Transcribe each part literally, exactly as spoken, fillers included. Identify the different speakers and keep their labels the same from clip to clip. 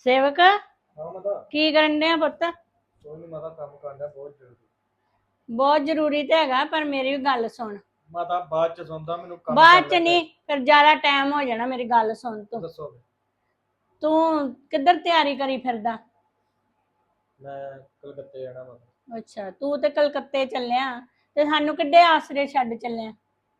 Speaker 1: ਸੇਵਕ
Speaker 2: ਹਾਂ ਮਾਤਾ।
Speaker 1: ਕੀ ਕਰਨ ਡਿਆ ਪੁੱਤ?
Speaker 2: ਕੋਈ ਨਹੀਂ ਮਾਤਾ, ਕੰਮ ਕਰਦਾ ਬਹੁਤ ਜ਼ਰੂਰੀ।
Speaker 1: ਬਹੁਤ ਜ਼ਰੂਰੀ ਤੇ ਹੈਗਾ, ਪਰ ਮੇਰੀ ਵੀ ਗੱਲ ਸੁਣ।
Speaker 2: ਮਾਤਾ ਬਾਅਦ ਚ ਸੁਣਦਾ, ਮੈਨੂੰ ਕੰਮ
Speaker 1: ਬਾਅਦ
Speaker 2: ਕਰ
Speaker 1: ਚ
Speaker 2: ਲੈ
Speaker 1: ਨਹੀਂ, ਫਿਰ ਜ਼ਿਆਦਾ ਟਾਈਮ ਹੋ ਜਾਣਾ। ਮੇਰੀ ਗੱਲ ਸੁਣ ਤੂੰ
Speaker 2: ਦੱਸੋ।
Speaker 1: ਤੂੰ ਕਿੱਧਰ ਤਿਆਰੀ ਕਰੀ ਫਿਰਦਾ?
Speaker 2: ਮੈਂ ਕਲਕੱਤੇ ਜਾਣਾ ਮਾਤਾ।
Speaker 1: ਅੱਛਾ, ਤੂੰ ਤੇ ਕਲਕੱਤੇ ਚੱਲਿਆ ਤੇ ਸਾਨੂੰ ਕਿੱਡੇ ਆਸਰੇ ਛੱਡ ਚੱਲਿਆ?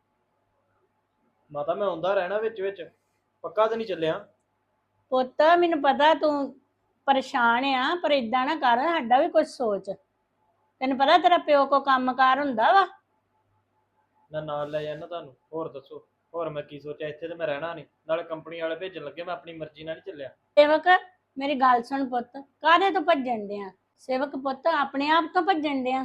Speaker 2: ਮਾਤਾ ਮੈਂ ਆਉਂਦਾ ਰਹਿਣਾ ਵਿੱਚ ਵਿੱਚ, ਪੱਕਾ ਤਾਂ ਨਹੀਂ ਚੱਲਿਆ।
Speaker 1: ਪੁੱਤ ਮੈਨੂੰ ਪਤਾ ਤੂੰ ਪਰੇਸ਼ਾਨ ਆ, ਪਰ ਇਦਾਂ ਨਾ ਕਰ, ਸਾਡਾ ਵੀ ਕੁਝ ਸੋਚ। ਤੈਨੂੰ ਪਤਾ ਤੇਰਾ ਪਿਓ ਕੋ ਕੰਮਕਾਰ ਹੁੰਦਾ ਵਾ।
Speaker 2: ਮੈਂ ਨਾਲ ਲੈ ਜਾਣਾ ਤੁਹਾਨੂੰ। ਹੋਰ ਦੱਸੋ, ਹੋਰ ਮੈਂ ਕੀ ਸੋਚਿਆ, ਇੱਥੇ ਤੇ ਮੈਂ ਰਹਿਣਾ ਨਹੀਂ, ਨਾਲੇ ਕੰਪਨੀ ਵਾਲੇ ਭੇਜਣ ਲੱਗੇ, ਮੈਂ ਆਪਣੀ ਮਰਜ਼ੀ ਨਾਲ ਨਹੀਂ ਚੱਲਿਆ।
Speaker 1: ਸੇਵਕ ਮੇਰੀ ਗੱਲ ਸੁਣ ਪੁੱਤ, ਕਾਹਦੇ ਤੋਂ ਭੱਜਣ ਡਿਆ? ਸੇਵਕ ਪੁੱਤ ਆਪਣੇ ਆਪ ਤੋਂ ਭੱਜਣ ਡਿਆ।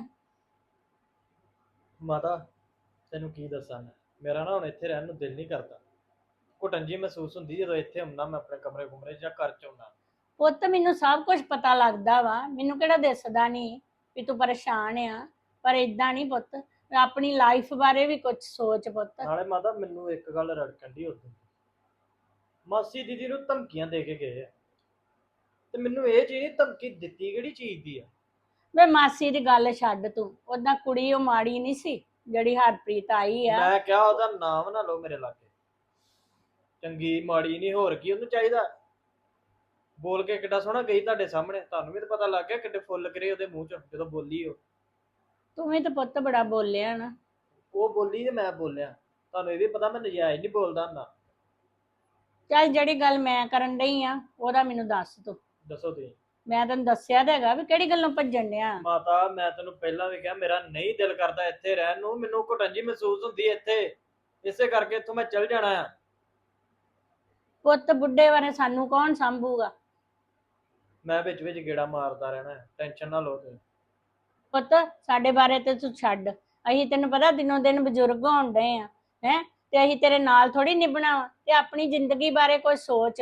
Speaker 2: ਮਾਤਾ ਤੈਨੂੰ ਕੀ ਦੱਸਾਂ ਮੈਂ, ਮੇਰਾ ਨਾ ਹੁਣ ਇੱਥੇ ਰਹਿਣ ਨੂੰ ਦਿਲ ਨਹੀਂ ਕਰਦਾ। ਘੁਟਨ ਜੀ ਮਹਿਸੂਸ ਹੁੰਦੀ ਜਦੋਂ ਇੱਥੇ ਹੁੰਨਾ, ਮੈਂ ਆਪਣੇ ਕਮਰੇ ਕੁਮਰੇ ਜਾਂ ਘਰ ਚ ਹੁੰਨਾ।
Speaker 1: ਪੁੱਤ ਮੈਨੂੰ ਸਭ ਕੁਝ ਪਤਾ ਲੱਗਦਾ ਵਾ, ਮੈਨੂੰ ਕਿਹੜਾ ਦਿਸਦਾ ਨਹੀਂ ਵੀ ਤੂੰ ਪਰੇਸ਼ਾਨ ਆ। ਪਰ ਇਦਾਂ ਨਹੀਂ ਪੁੱਤ, ਆਪਣੀ ਲਾਈਫ ਬਾਰੇ ਵੀ ਕੁਝ ਸੋਚ ਪੁੱਤ।
Speaker 2: ਨਾਲੇ ਮਾਤਾ ਮੈਨੂੰ ਇੱਕ ਗੱਲ ਰੜਕਣ ਦੀ ਉਦੋਂ, ਮਾਸੀ ਦੀਦੀ ਨੂੰ ਧਮਕੀਆਂ ਦੇ ਕੇ ਗਏ ਆ, ਤੇ ਮੈਨੂੰ ਇਹ ਚੀਜ਼ ਨਹੀਂ, ਧਮਕੀ ਦਿੱਤੀ ਕਿਹੜੀ ਚੀਜ਼ ਦੀ ਆ?
Speaker 1: ਵੇ ਮਾਸੀ ਦੀ ਗੱਲ ਛੱਡ ਤੂੰ, ਉਹਦਾ ਕੁੜੀ ਉਹ ਮਾੜੀ ਨਹੀਂ ਸੀ ਜਿਹੜੀ ਹਰਪ੍ਰੀਤ ਆਈ ਆ।
Speaker 2: ਮੈਂ ਕਿਹਾ ਉਹਦਾ ਨਾਮ ਨਾ ਲਓ ਮੇਰੇ ਲਾਗੇ। ਚੰਗੀ ਮਾੜੀ ਨਹੀਂ, ਹੋਰ ਕੀ ਉਹਨੂੰ ਚਾਹੀਦਾ? ਬੋਲ ਕੇ ਕਿੱਡਾ ਸੋਹਣਾ ਗਈ ਤੁਹਾਡੇ ਸਾਹਮਣੇ, ਤੁਹਾਨੂੰ ਵੀ ਤਾਂ ਪਤਾ ਲੱਗ ਗਿਆ ਕਿੱਡੇ ਫੁੱਲ ਕਰੇ ਉਹਦੇ ਮੂੰਹ ਚ ਜਦੋਂ ਬੋਲੀ। ਉਹ
Speaker 1: ਤੂੰ ਵੀ ਤਾਂ ਪੁੱਤ ਬੜਾ ਬੋਲਿਆ ਨਾ।
Speaker 2: ਉਹ ਬੋਲੀ ਤੇ ਮੈਂ ਬੋਲਿਆ, ਤੁਹਾਨੂੰ ਇਹ ਵੀ ਪਤਾ ਮੈਂ ਨਜਾਇਜ਼ ਨਹੀਂ ਬੋਲਦਾ ਹੁੰਦਾ।
Speaker 1: ਚੱਲ ਜਿਹੜੀ ਗੱਲ ਮੈਂ ਕਰਨ ਡਈ ਆ ਉਹਦਾ ਮੈਨੂੰ ਦੱਸ ਤੂੰ।
Speaker 2: ਦੱਸੋ ਤੁਸੀਂ।
Speaker 1: ਮੈਂ ਤੈਨੂੰ ਦੱਸਿਆ ਤਾਂ ਹੈਗਾ ਵੀ ਕਿਹੜੀ ਗੱਲੋਂ ਭੱਜਣ ਡਿਆ।
Speaker 2: ਮਾਤਾ ਮੈਂ ਤੈਨੂੰ ਪਹਿਲਾਂ ਵੀ ਕਿਹਾ, ਮੇਰਾ ਨਹੀਂ ਦਿਲ ਕਰਦਾ ਇੱਥੇ ਰਹਿਣ ਨੂੰ, ਮੈਨੂੰ ਘੁਟਨ ਜੀ ਮਹਿਸੂਸ ਹੁੰਦੀ ਇੱਥੇ, ਇਸੇ ਕਰਕੇ ਇੱਥੋਂ ਮੈਂ ਚੱਲ ਜਾਣਾ ਆ।
Speaker 1: ਪੁੱਤ ਬੁੱਢੇ ਬਾਰੇ ਸਾਨੂੰ ਕੌਣ ਸੰਭੂਗਾ?
Speaker 2: ਮੈਂ ਵਿੱਚ ਵਿੱਚ ਗੇੜਾ ਮਾਰਦਾ ਰਹਿਣਾ, ਟੈਨਸ਼ਨ ਨਾ ਲਓ ਤੁਸੀਂ।
Speaker 1: ਪੁੱਤ ਸਾਡੇ ਬਾਰੇ ਤੇ ਤੂੰ ਛੱਡ, ਅਸੀਂ ਤੈਨੂੰ ਪਤਾ ਦਿਨੋਂ ਦਿਨ ਬਜ਼ੁਰਗ ਹੋਣ ਡਏ ਆ ਹੈ, ਤੇ ਅਸੀਂ ਤੇਰੇ ਨਾਲ ਥੋੜੀ ਨਿਭਣਾ ਵਾ। ਤੇ ਆਪਣੀ ਜ਼ਿੰਦਗੀ ਬਾਰੇ ਕੋਈ ਸੋਚ।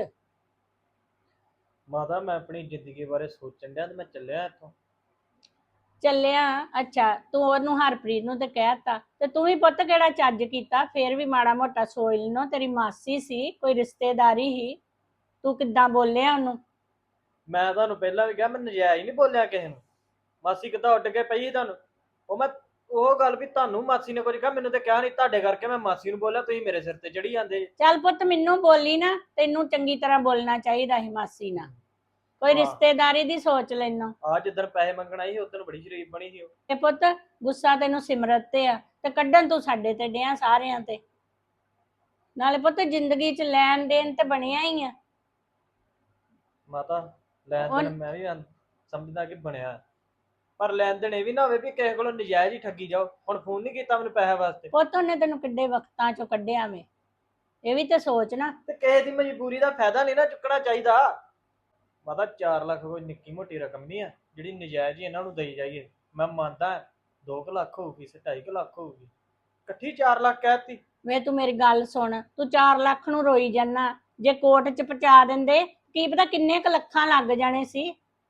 Speaker 2: ਮਾਤਾ ਮੈਂ ਆਪਣੀ ਜ਼ਿੰਦਗੀ ਬਾਰੇ ਸੋਚਣ ਡਿਆ ਤੇ ਮੈਂ ਚੱਲਿਆ ਇੱਥੋਂ।
Speaker 1: ਚੱਲਿਆ? ਅੱਛਾ, ਤੂੰ ਉਹਨੂੰ ਹਰਪ੍ਰੀਤ ਨੂੰ ਤੇ ਕਹਿਤਾ, ਤੇ ਤੂੰ ਵੀ ਪੁੱਤ ਕਿਹੜਾ ਚੱਜ ਕੀਤਾ? ਫੇਰ ਵੀ ਮਾੜਾ ਮੋਟਾ ਸੋਚ ਲੈਣੋ, ਤੇਰੀ ਮਾਸੀ ਸੀ, ਕੋਈ ਰਿਸ਼ਤੇਦਾਰੀ ਹੀ, ਤੂੰ ਕਿੱਦਾਂ ਬੋਲਿਆ ਉਹਨੂੰ?
Speaker 2: ਮੈਂ ਤੁਹਾਨੂੰ ਪਹਿਲਾਂ ਵੀ ਕਿਹਾ, ਮੈਂ ਨਜਾਇਜ਼ ਨਹੀਂ ਬੋਲਿਆ ਕਿਸੇ ਨੂੰ। ਮਾਸੀ ਕਿੱਦਾਂ ਉੱਡ ਕੇ ਪਈ ਤੁਹਾਨੂੰ? ਉਹ ਮੈਂ ਉਹ ਗੱਲ ਵੀ ਤੁਹਾਨੂੰ ਮਾਸੀ ਨੇ ਕੁਝ ਕਿਹਾ, ਮੈਨੂੰ ਤੇ ਕਿਹਾ ਨਹੀਂ, ਤੁਹਾਡੇ ਕਰਕੇ ਮੈਂ ਮਾਸੀ ਨੂੰ ਬੋਲਿਆ, ਤੁਸੀਂ ਮੇਰੇ ਸਿਰ ਤੇ ਚੜੀ ਜਾਂਦੇ।
Speaker 1: ਚੱਲ ਪੁੱਤ ਮੈਨੂੰ ਬੋਲੀ ਨਾ, ਤੈਨੂੰ ਚੰਗੀ ਤਰ੍ਹਾਂ ਬੋਲਣਾ ਚਾਹੀਦਾ ਸੀ ਮਾਸੀ ਨਾਲ। ਕੋਈ
Speaker 2: ਹਾਂ।
Speaker 1: ਰਿਸ਼ਤੇਦਾਰੀ ਦੀ ਸੋਚ ਲੈਣੋ।
Speaker 2: ਆ ਜਿੱਦਣ ਪੈਸੇ ਮੰਗਣ ਆਈ ਉਦੋਂ ਬੜੀ ਸ਼ਰੀਫ ਬਣੀ ਸੀ ਉਹ।
Speaker 1: ਤੇ ਪੁੱਤ ਗੁੱਸਾ ਤੈਨੂੰ ਸਿਮਰਤ ਤੇ ਆ, ਤੇ ਕੱਢਣ ਤੂੰ ਸਾਡੇ ਤੇ ਡਿਆ ਸਾਰਿਆਂ ਤੇ। ਨਾਲੇ ਪੁੱਤ ਜ਼ਿੰਦਗੀ 'ਚ ਲੈਣ ਦੇਣ ਤੇ ਬਣਿਆ ਹੀ ਆ।
Speaker 2: ਮਾਤਾ ਲੈਣ
Speaker 1: ਹੁਣ-
Speaker 2: ਦੇਣ ਮੈਂ ਵੀ ਆਂ- ਸਮਝਦਾ ਕਿ ਬਣਿਆ, ਪਰ ਲੈਣ ਦੇਣ ਇਹ ਵੀ ਨਾ ਹੋਵੇ ਵੀ ਕਿਸੇ ਕੋਲੋਂ ਨਜਾਇਜ਼ ਹੀ ਠੱਗੀ ਜਾਓ। ਹੁਣ ਫੋਨ ਨਹੀਂ ਕੀਤਾ ਮੈਨੂੰ ਪੈਸੇ ਵਾਸਤੇ,
Speaker 1: ਪੁੱਤ ਉਹਨੇ ਤੈਨੂੰ ਕਿੱਡੇ ਵਕਤਾਂ 'ਚੋਂ ਕੱਢਿਆ ਵੇ, ਇਹ ਵੀ ਤੇ ਸੋਚ ਨਾ।
Speaker 2: ਤੇ ਕਿਸੇ ਦੀ ਮਜਬੂਰੀ ਦਾ ਫਾਇਦਾ ਨਹੀਂ ਨਾ ਚੁੱਕਣਾ ਚਾਹੀਦਾ। ਮਾਤਾ ਚਾਰ ਲੱਖ ਕੋਈ ਨਿੱਕੀ ਮੋਟੀ ਰਕਮ ਨਹੀਂ ਆ ਜਿਹੜੀ ਨਜਾਇਜ਼ ਹੀ ਇਹਨਾਂ ਨੂੰ ਦੇਈ ਜਾਈਏ। ਮੈਂ ਮੰਨਦਾ ਦੋ ਕੁ ਲੱਖ ਹੋਊਗੀ, ਸੇ ਢਾਈ ਕੁ ਲੱਖ ਹੋਊਗੀ, ਇਕੱਠੀ ਚਾਰ ਲੱਖ ਕਹਿਤੀ।
Speaker 1: ਵੇ ਤੂੰ ਮੇਰੀ ਗੱਲ ਸੁਣ, ਤੂੰ ਚਾਰ ਲੱਖ ਨੂੰ ਰੋਈ ਜਾਨਾ, ਜੇ ਕੋਰਟ 'ਚ ਪਹੁੰਚਾ ਦਿੰਦੇ ਕੀ ਪਤਾ ਕਿੰਨੇ ਕੁ ਲੱਖਾਂ ਲੱਗ ਜਾਣੇ ਸੀ।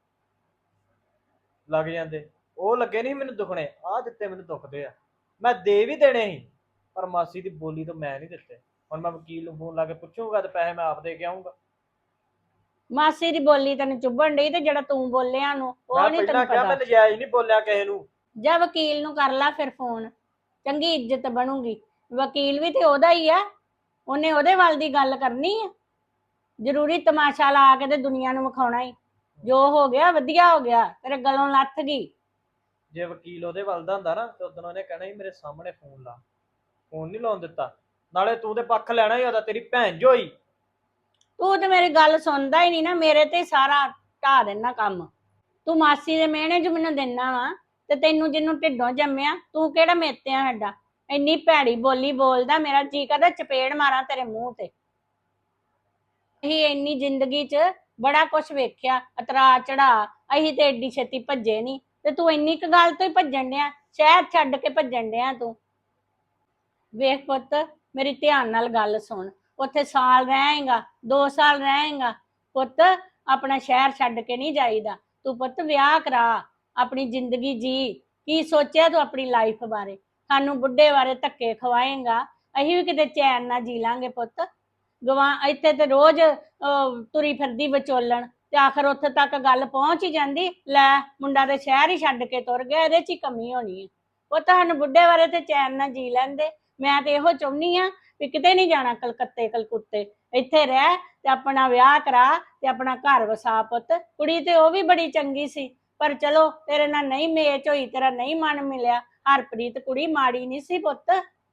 Speaker 2: ਲੱਗ ਜਾਂਦੇ, ਉਹ ਲੱਗੇ ਨਹੀਂ ਮੈਨੂੰ ਦੁਖਣੇ, ਆਹ ਦਿੱਤੇ ਮੈਨੂੰ ਦੁਖਦੇ ਆ। ਮੈਂ ਦੇ ਵੀ ਦੇਣੇ ਸੀ, ਪਰ ਮਾਸੀ ਦੀ ਬੋਲੀ ਤੋਂ ਮੈਂ ਨਹੀਂ ਦਿੱਤੇ। ਹੁਣ ਮੈਂ ਵਕੀਲ ਨੂੰ ਫੋਨ ਲਾ ਕੇ ਪੁੱਛੂੰਗਾ ਤੇ ਪੈਸੇ ਮੈਂ ਆਪ ਦੇ ਕੇ ਆਉਂਗਾ।
Speaker 1: ਮਾਸੀ ਦੀ ਬੋਲੀ ਤੈਨੂੰ ਚੁੱਭਣ ਡਈ, ਤੇ ਜਿਹੜਾ ਤੂੰ ਬੋਲਿਆ ਨੂੰ ਉਹ
Speaker 2: ਮੈਂ
Speaker 1: ਨਹੀਂ
Speaker 2: ਪਹਿਲਾਂ
Speaker 1: ਤੈਨੂੰ
Speaker 2: ਕਿਹਾ
Speaker 1: ਪਤਾ।
Speaker 2: ਮੈਂ ਨਜਾਇਜ਼ ਨਹੀਂ ਬੋਲਿਆ ਕਿਸੇ ਨੂੰ।
Speaker 1: ਜਾਂ ਵਕੀਲ ਨੂੰ ਕਰ ਲਾ ਫਿਰ ਫੋਨ, ਚੰਗੀ ਇੱਜ਼ਤ ਬਣੂਗੀ। ਵਕੀਲ ਵੀ ਤੇ ਉਹਦਾ ਹੀ ਆ, ਉਹਨੇ ਉਹਦੇ ਵੱਲ ਦੀ ਗੱਲ ਕਰਨੀ ਆ। ਜ਼ਰੂਰੀ ਤਮਾਸ਼ਾ ਲਾ ਕੇ ਤੇ ਦੁਨੀਆ ਨੂੰ ਵਿਖਾਉਣਾ ਹੀ, ਜੋ ਹੋ ਗਿਆ ਵਧੀਆ ਹੋ ਗਿਆ, ਤੇਰੇ ਗਲੋਂ ਲੱਥ ਗਈ।
Speaker 2: ਜੇ ਵਕੀਲ ਉਹਦੇ ਵੱਲ ਦਾ ਹੁੰਦਾ ਨਾ ਤੇ ਉਦੋਂ ਉਹਨੇ ਕਹਿਣਾ ਸੀ ਮੇਰੇ ਸਾਹਮਣੇ ਫੋਨ ਲਾ, ਫੋਨ ਨਹੀਂ ਲਾਉਣ ਦਿੱਤਾ। ਨਾਲੇ ਤੂੰ ਤੇ ਪੱਖ ਲੈਣਾ ਹੀ ਉਹਦਾ, ਤੇਰੀ ਭੈਣ ਜੋ ਹੋਈ।
Speaker 1: ਤੂੰ ਤੇ ਮੇਰੀ ਗੱਲ ਸੁਣਦਾ ਹੀ ਨਹੀਂ ਨਾ, ਮੇਰੇ ਤੇ ਸਾਰਾ ਢਾ ਦੇਣਾ ਕੰਮ। ਤੂੰ ਮਾਸੀ ਦੇ ਮਿਹਣੇ ਚ ਮੈਨੂੰ ਦਿੰਦਾ ਵਾ, ਤੇ ਤੈਨੂੰ ਜਿਹਨੂੰ ਢਿੱਡੋਂ ਜੰਮਿਆ ਤੂੰ ਕਿਹੜਾ ਮੇਤਿਆ ਸਾਡਾ? ਇੰਨੀ ਭੈੜੀ ਬੋਲੀ ਬੋਲਦਾ, ਮੇਰਾ ਜੀ ਕਰਦਾ ਚਪੇੜ ਮਾਰਾਂ ਤੇਰੇ ਮੂੰਹ ਤੇ। ਅਸੀਂ ਇੰਨੀ ਜ਼ਿੰਦਗੀ 'ਚ ਬੜਾ ਕੁਛ ਵੇਖਿਆ, ਅਤਰਾ ਚੜਾ, ਅਸੀਂ ਤੇ ਏਡੀ ਛੇਤੀ ਭੱਜੇ ਨਹੀਂ, ਤੇ ਤੂੰ ਇੰਨੀ ਕੁ ਗੱਲ ਤੋਂ ਹੀ ਭੱਜਣ ਡਿਆ, ਸ਼ਹਿਰ ਛੱਡ ਕੇ ਭੱਜਣ ਡਿਆ ਤੂੰ। ਵੇਖ ਪੁੱਤ ਮੇਰੀ ਧਿਆਨ ਨਾਲ ਗੱਲ ਸੁਣ, ਉੱਥੇ ਸਾਲ ਰਹੇਗਾ, ਦੋ ਸਾਲ ਰਹੇਗਾ ਪੁੱਤ, ਆਪਣਾ ਸ਼ਹਿਰ ਛੱਡ ਕੇ ਨਹੀਂ ਜਾਈਦਾ। ਤੂੰ ਪੁੱਤ ਵਿਆਹ ਕਰਾ, ਆਪਣੀ ਜ਼ਿੰਦਗੀ ਜੀ। ਕੀ ਸੋਚਿਆ ਤੂੰ ਆਪਣੀ ਲਾਈਫ ਬਾਰੇ? ਸਾਨੂੰ ਬੁੱਢੇ ਬਾਰੇ ਧੱਕੇ ਖਵਾਏਗਾ, ਅਸੀਂ ਵੀ ਕਿਤੇ ਚੈਨ ਨਾਲ ਜੀ ਲਾਂਗੇ ਪੁੱਤ। ਗਵਾ ਇੱਥੇ ਤੇ ਰੋਜ਼ ਤੁਰੀ ਫਿਰਦੀ ਵਿਚੋਲਣ, ਤੇ ਆਖਰ ਉੱਥੇ ਤੱਕ ਗੱਲ ਪਹੁੰਚ ਹੀ ਜਾਂਦੀ, ਲੈ ਮੁੰਡਾ ਤੇ ਸ਼ਹਿਰ ਹੀ ਛੱਡ ਕੇ ਤੁਰ ਗਿਆ, ਇਹਦੇ ਚ ਹੀ ਕਮੀ ਹੋਣੀ ਹੈ। ਉਹ ਤੁਹਾਨੂੰ ਬੁੱਢੇ ਬਾਰੇ ਤੇ ਚੈਨ ਨਾਲ ਜੀ ਲੈਂਦੇ। ਮੈਂ ਤੇ ਇਹੋ ਚਾਹੁੰਦੀ ਆ ਵੀ ਕਿਤੇ ਨਹੀਂ ਜਾਣਾ, ਕਲਕੱਤੇ ਕਲਕੁੱਤੇ ਇੱਥੇ ਰਹਿ ਤੇ ਆਪਣਾ ਵਿਆਹ ਕਰਾ ਤੇ ਆਪਣਾ ਘਰ ਵਸਾ ਪੁੱਤ। ਕੁੜੀ ਤੇ ਉਹ ਵੀ ਬੜੀ ਚੰਗੀ ਸੀ, ਪਰ ਚਲੋ ਤੇਰੇ ਨਾਲ ਨਹੀਂ ਮੇਚ ਹੋਈ, ਤੇਰਾ ਨਹੀਂ ਮਨ ਮਿਲਿਆ। ਹਰਪ੍ਰੀਤ ਕੁੜੀ ਮਾੜੀ ਨਹੀਂ ਸੀ ਪੁੱਤ,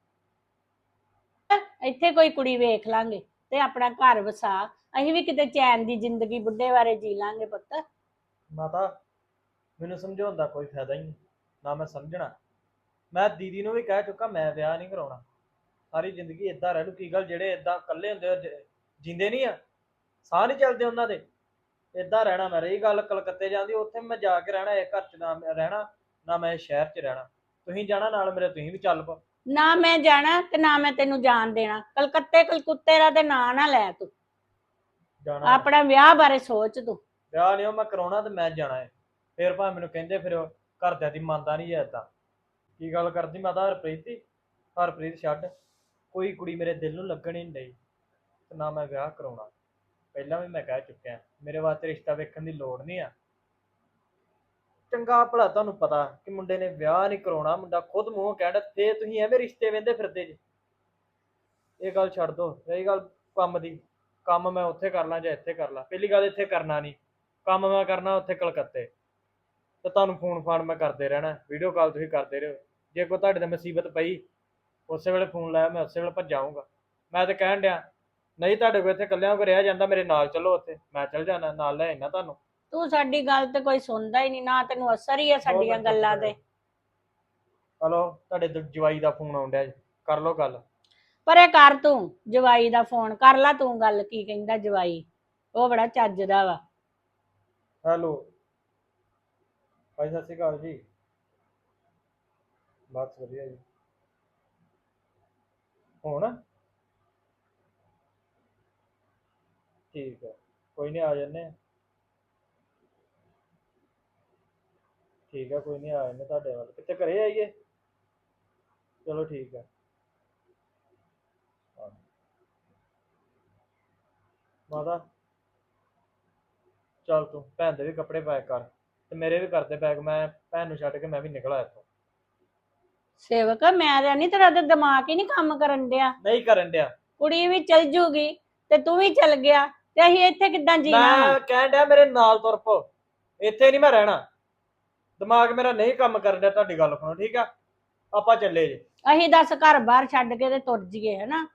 Speaker 1: ਇੱਥੇ ਕੋਈ ਕੁੜੀ ਵੇਖ ਲਾਂਗੇ ਤੇ ਆਪਣਾ ਘਰ ਵਸਾ, ਅਸੀਂ ਵੀ ਕਿਤੇ ਚੈਨ ਦੀ ਜ਼ਿੰਦਗੀ ਬੁੱਢੇ ਬਾਰੇ ਜੀ ਲਾਂਗੇ ਪੁੱਤ।
Speaker 2: ਮਾਤਾ ਮੈਨੂੰ ਸਮਝਾਉਣ ਦਾ ਕੋਈ ਫਾਇਦਾ ਹੀ ਨਹੀਂ, ਨਾ ਮੈਂ ਸਮਝਣਾ। ਮੈਂ ਦੀਦੀ ਨੂੰ ਵੀ ਕਹਿ ਚੁੱਕਾ ਮੈਂ ਵਿਆਹ ਨਹੀਂ ਕਰਾਉਣਾ, ਸਾਰੀ ਜ਼ਿੰਦਗੀ ਇਦਾਂ ਰਹਿ ਲੂ। ਕੀ ਗੱਲ ਜਿਹੜੇ ਇਦਾਂ ਇਕੱਲੇ ਹੁੰਦੇ ਆ, ਜਿੰਦੇ ਨਹੀਂ ਆ, ਸਾਹ ਨਹੀਂ ਚੱਲਦੇ ਉਹਨਾਂ ਦੇ, ਇਦਾਂ ਰਹਿਣਾ ਮੈਂ। ਰਹੀ ਗੱਲ ਕਲਕੱਤੇ ਜਾਂਦੀ, ਉੱਥੇ ਮੈਂ ਜਾ ਕੇ ਰਹਿਣਾ, ਇਹ ਘਰ 'ਚ ਨਾ ਮੈਂ ਰਹਿਣਾ ਨਾ ਮੈਂ ਸ਼ਹਿਰ 'ਚ ਰਹਿਣਾ। ਤੁਸੀਂ ਜਾਣਾ ਨਾਲ ਮੇਰੇ, ਤੁਸੀਂ ਵੀ ਚੱਲ ਪਓ।
Speaker 1: ਨਾ ਮੈਂ ਜਾਣਾ ਤੇ ਨਾ ਮੈਂ ਤੈਨੂੰ ਜਾਣ ਦੇਣਾ। ਕਲਕੱਤੇ ਕਲਕੁੱਤੇ ਦਾ ਤੇ ਨਾਂ ਨਾ ਲੈ ਤੂੰ,
Speaker 2: ਜਾਣਾ
Speaker 1: ਆਪਣਾ ਵਿਆਹ ਬਾਰੇ ਸੋਚ ਤੂੰ।
Speaker 2: ਵਿਆਹ ਨਹੀਂ ਉਹ ਮੈਂ ਕਰਾਉਣਾ ਤੇ ਮੈਂ ਜਾਣਾ ਹੈ। ਫਿਰ ਭਾਵੇਂ ਮੈਨੂੰ ਕਹਿੰਦੇ ਫਿਰ ਘਰਦਿਆਂ ਦੀ ਮੰਨਦਾ ਨਹੀਂ ਹੈ ਏਦਾਂ। ਕੀ ਗੱਲ ਕਰਦੀ ਮਾਤਾ ਹਰਪ੍ਰੀਤ ਦੀ? ਹਰਪ੍ਰੀਤ ਛੱਡ, ਕੋਈ ਕੁੜੀ ਮੇਰੇ ਦਿਲ ਨੂੰ ਲੱਗਣ ਹੀ ਨਹੀਂ ਡਈ ਤੇ ਨਾ ਮੈਂ ਵਿਆਹ ਕਰਾਉਣਾ। ਪਹਿਲਾਂ ਵੀ ਮੈਂ ਕਹਿ ਚੁੱਕਿਆ ਮੇਰੇ ਵਾਸਤੇ ਰਿਸ਼ਤਾ ਵੇਖਣ ਦੀ ਲੋੜ ਨਹੀਂ ਆ। ਚੰਗਾ ਭਲਾ ਤੁਹਾਨੂੰ ਪਤਾ ਕਿ ਮੁੰਡੇ ਨੇ ਵਿਆਹ ਨਹੀਂ ਕਰਾਉਣਾ, ਮੁੰਡਾ ਖੁਦ ਮੂੰਹੋਂ ਕਹਿਣ, ਤੇ ਤੁਸੀਂ ਐਵੇਂ ਰਿਸ਼ਤੇ ਵੇਂਦੇ ਫਿਰਦੇ ਜੀ। ਇਹ ਗੱਲ ਛੱਡ ਦੋ। ਰਹੀ ਗੱਲ ਕੰਮ ਦੀ, ਕੰਮ ਮੈਂ ਉੱਥੇ ਕਰ ਲਾਂ ਜਾਂ ਇੱਥੇ ਕਰ ਲਾਂ। ਪਹਿਲੀ ਗੱਲ ਇੱਥੇ ਕਰਨਾ ਨਹੀਂ, ਕੰਮ ਮੈਂ ਕਰਨਾ ਉੱਥੇ ਕਲਕੱਤੇ। ਤੇ ਤੁਹਾਨੂੰ ਫੋਨ ਫਾਨ ਮੈਂ ਕਰਦੇ ਰਹਿਣਾ, ਵੀਡੀਓ ਕਾਲ ਤੁਸੀਂ ਕਰਦੇ ਰਹੋ। ਜੇ ਕੋਈ ਤੁਹਾਡੇ ਤੇ ਮੁਸੀਬਤ ਪਈ ਉਸੇ ਵੇਲੇ ਫੋਨ ਲਾਇਆ, ਮੈਂ ਉਸੇ ਵੇਲੇ ਭੱਜ ਆਊਂਗਾ। ਮੈਂ ਤਾਂ ਕਹਿਣ ਡਿਆ ਨਹੀਂ ਤੁਹਾਡੇ ਕੋਲ ਇੱਥੇ ਇਕੱਲਿਆਂ ਕੋ ਰਿਹਾ ਜਾਂਦਾ, ਮੇਰੇ ਨਾਲ ਚੱਲੋ, ਉੱਥੇ ਮੈਂ ਚੱਲ ਜਾਣਾ, ਨਾਲ ਲੈ ਜਾਣਾ ਤੁਹਾਨੂੰ।
Speaker 1: ਤੂੰ ਸਾਡੀ ਗੱਲ ਤੇ ਕੋਈ ਸੁਣਦਾ ਹੀ ਨਹੀਂ, ਨਾ ਤੈਨੂੰ ਅਸਰ ਹੀ ਹੈ ਸਾਡੀਆਂ ਗੱਲਾਂ ਤੇ।
Speaker 2: ਹਲੋ, ਤੁਹਾਡੇ ਜਵਾਈ ਦਾ ਫੋਨ ਆਉਣ ਡਿਆ, ਕਰ ਲਓ ਗੱਲ।
Speaker 1: ਪਰ ਇਹ ਕਰ ਤੂੰ ਜਵਾਈ ਦਾ ਫੋਨ ਕਰ ਲਾ, ਤੂੰ ਗੱਲ ਕੀ ਕਹਿੰਦਾ ਜਵਾਈ, ਉਹ ਬੜਾ ਚੱਜਦਾ ਵਾ।
Speaker 2: ਹੈਲੋ ਭਾਈ, ਸਤਿ ਸ਼੍ਰੀ ਅਕਾਲ ਜੀ। ਬਸ ਵਧੀਆ ਜੀ। ਹੁਣ ਠੀਕ ਹੈ, ਕੋਈ ਨਹੀਂ ਆ ਜਾਂਦੇ। ਠੀਕ ਹੈ, ਕੋਈ ਨਹੀਂ ਆ ਜਾਂਦੇ ਤੁਹਾਡੇ ਵੱਲ। ਕਿੱਥੇ ਘਰੇ ਆਈਏ? ਚਲੋ ਠੀਕ ਹੈ। ਮਾਤਾ ਚੱਲ ਤੂੰ ਭੈਣ ਦੇ ਵੀ ਕੱਪੜੇ ਪੈਕ ਕਰ ਤੇ ਮੇਰੇ ਵੀ ਕਰਦੇ ਪੈਕ। ਮੈਂ ਭੈਣ ਨੂੰ ਛੱਡ ਕੇ ਮੈਂ ਵੀ ਨਿਕਲ ਆਇਆ ਇੱਥੋਂ।
Speaker 1: ਸੇਵਕ ਮੈਂ ਤਾਂ ਨਹੀਂ, ਤੇਰਾ ਤੇ ਦਿਮਾਗ ਹੀ ਨਹੀਂ ਕੰਮ ਕਰਨ ਡਿਆ।
Speaker 2: ਨਹੀਂ ਕਰਨ ਡਿਆ।
Speaker 1: ਕੁੜੀ ਵੀ ਚਲ ਜੂਗੀ ਤੇ ਤੂੰ ਵੀ ਚਲ ਗਿਆ ਤੇ ਅਸੀਂ ਇੱਥੇ ਕਿੱਦਾਂ ਜੀਣਾ?
Speaker 2: ਮੈਂ ਕਹਿਣ ਡਿਆ ਮੇਰੇ ਨਾਲ ਤੁਰ ਪੋ, ਇੱਥੇ ਨਹੀਂ ਮੈਂ ਰਹਿਣਾ। ਦਿਮਾਗ ਮੇਰਾ ਨਹੀਂ ਕੰਮ ਕਰਨ ਡਿਆ ਤੁਹਾਡੀ ਗੱਲ ਸੁਣੋ, ਠੀਕ ਆ? ਆਪਾਂ ਚੱਲੇ ਜੇ।
Speaker 1: ਅਸੀਂ ਦੱਸ ਘਰ ਬਾਹਰ ਛੱਡ ਕੇ ਤੇ ਤੁਰ ਜੀਏ, ਹਨਾ?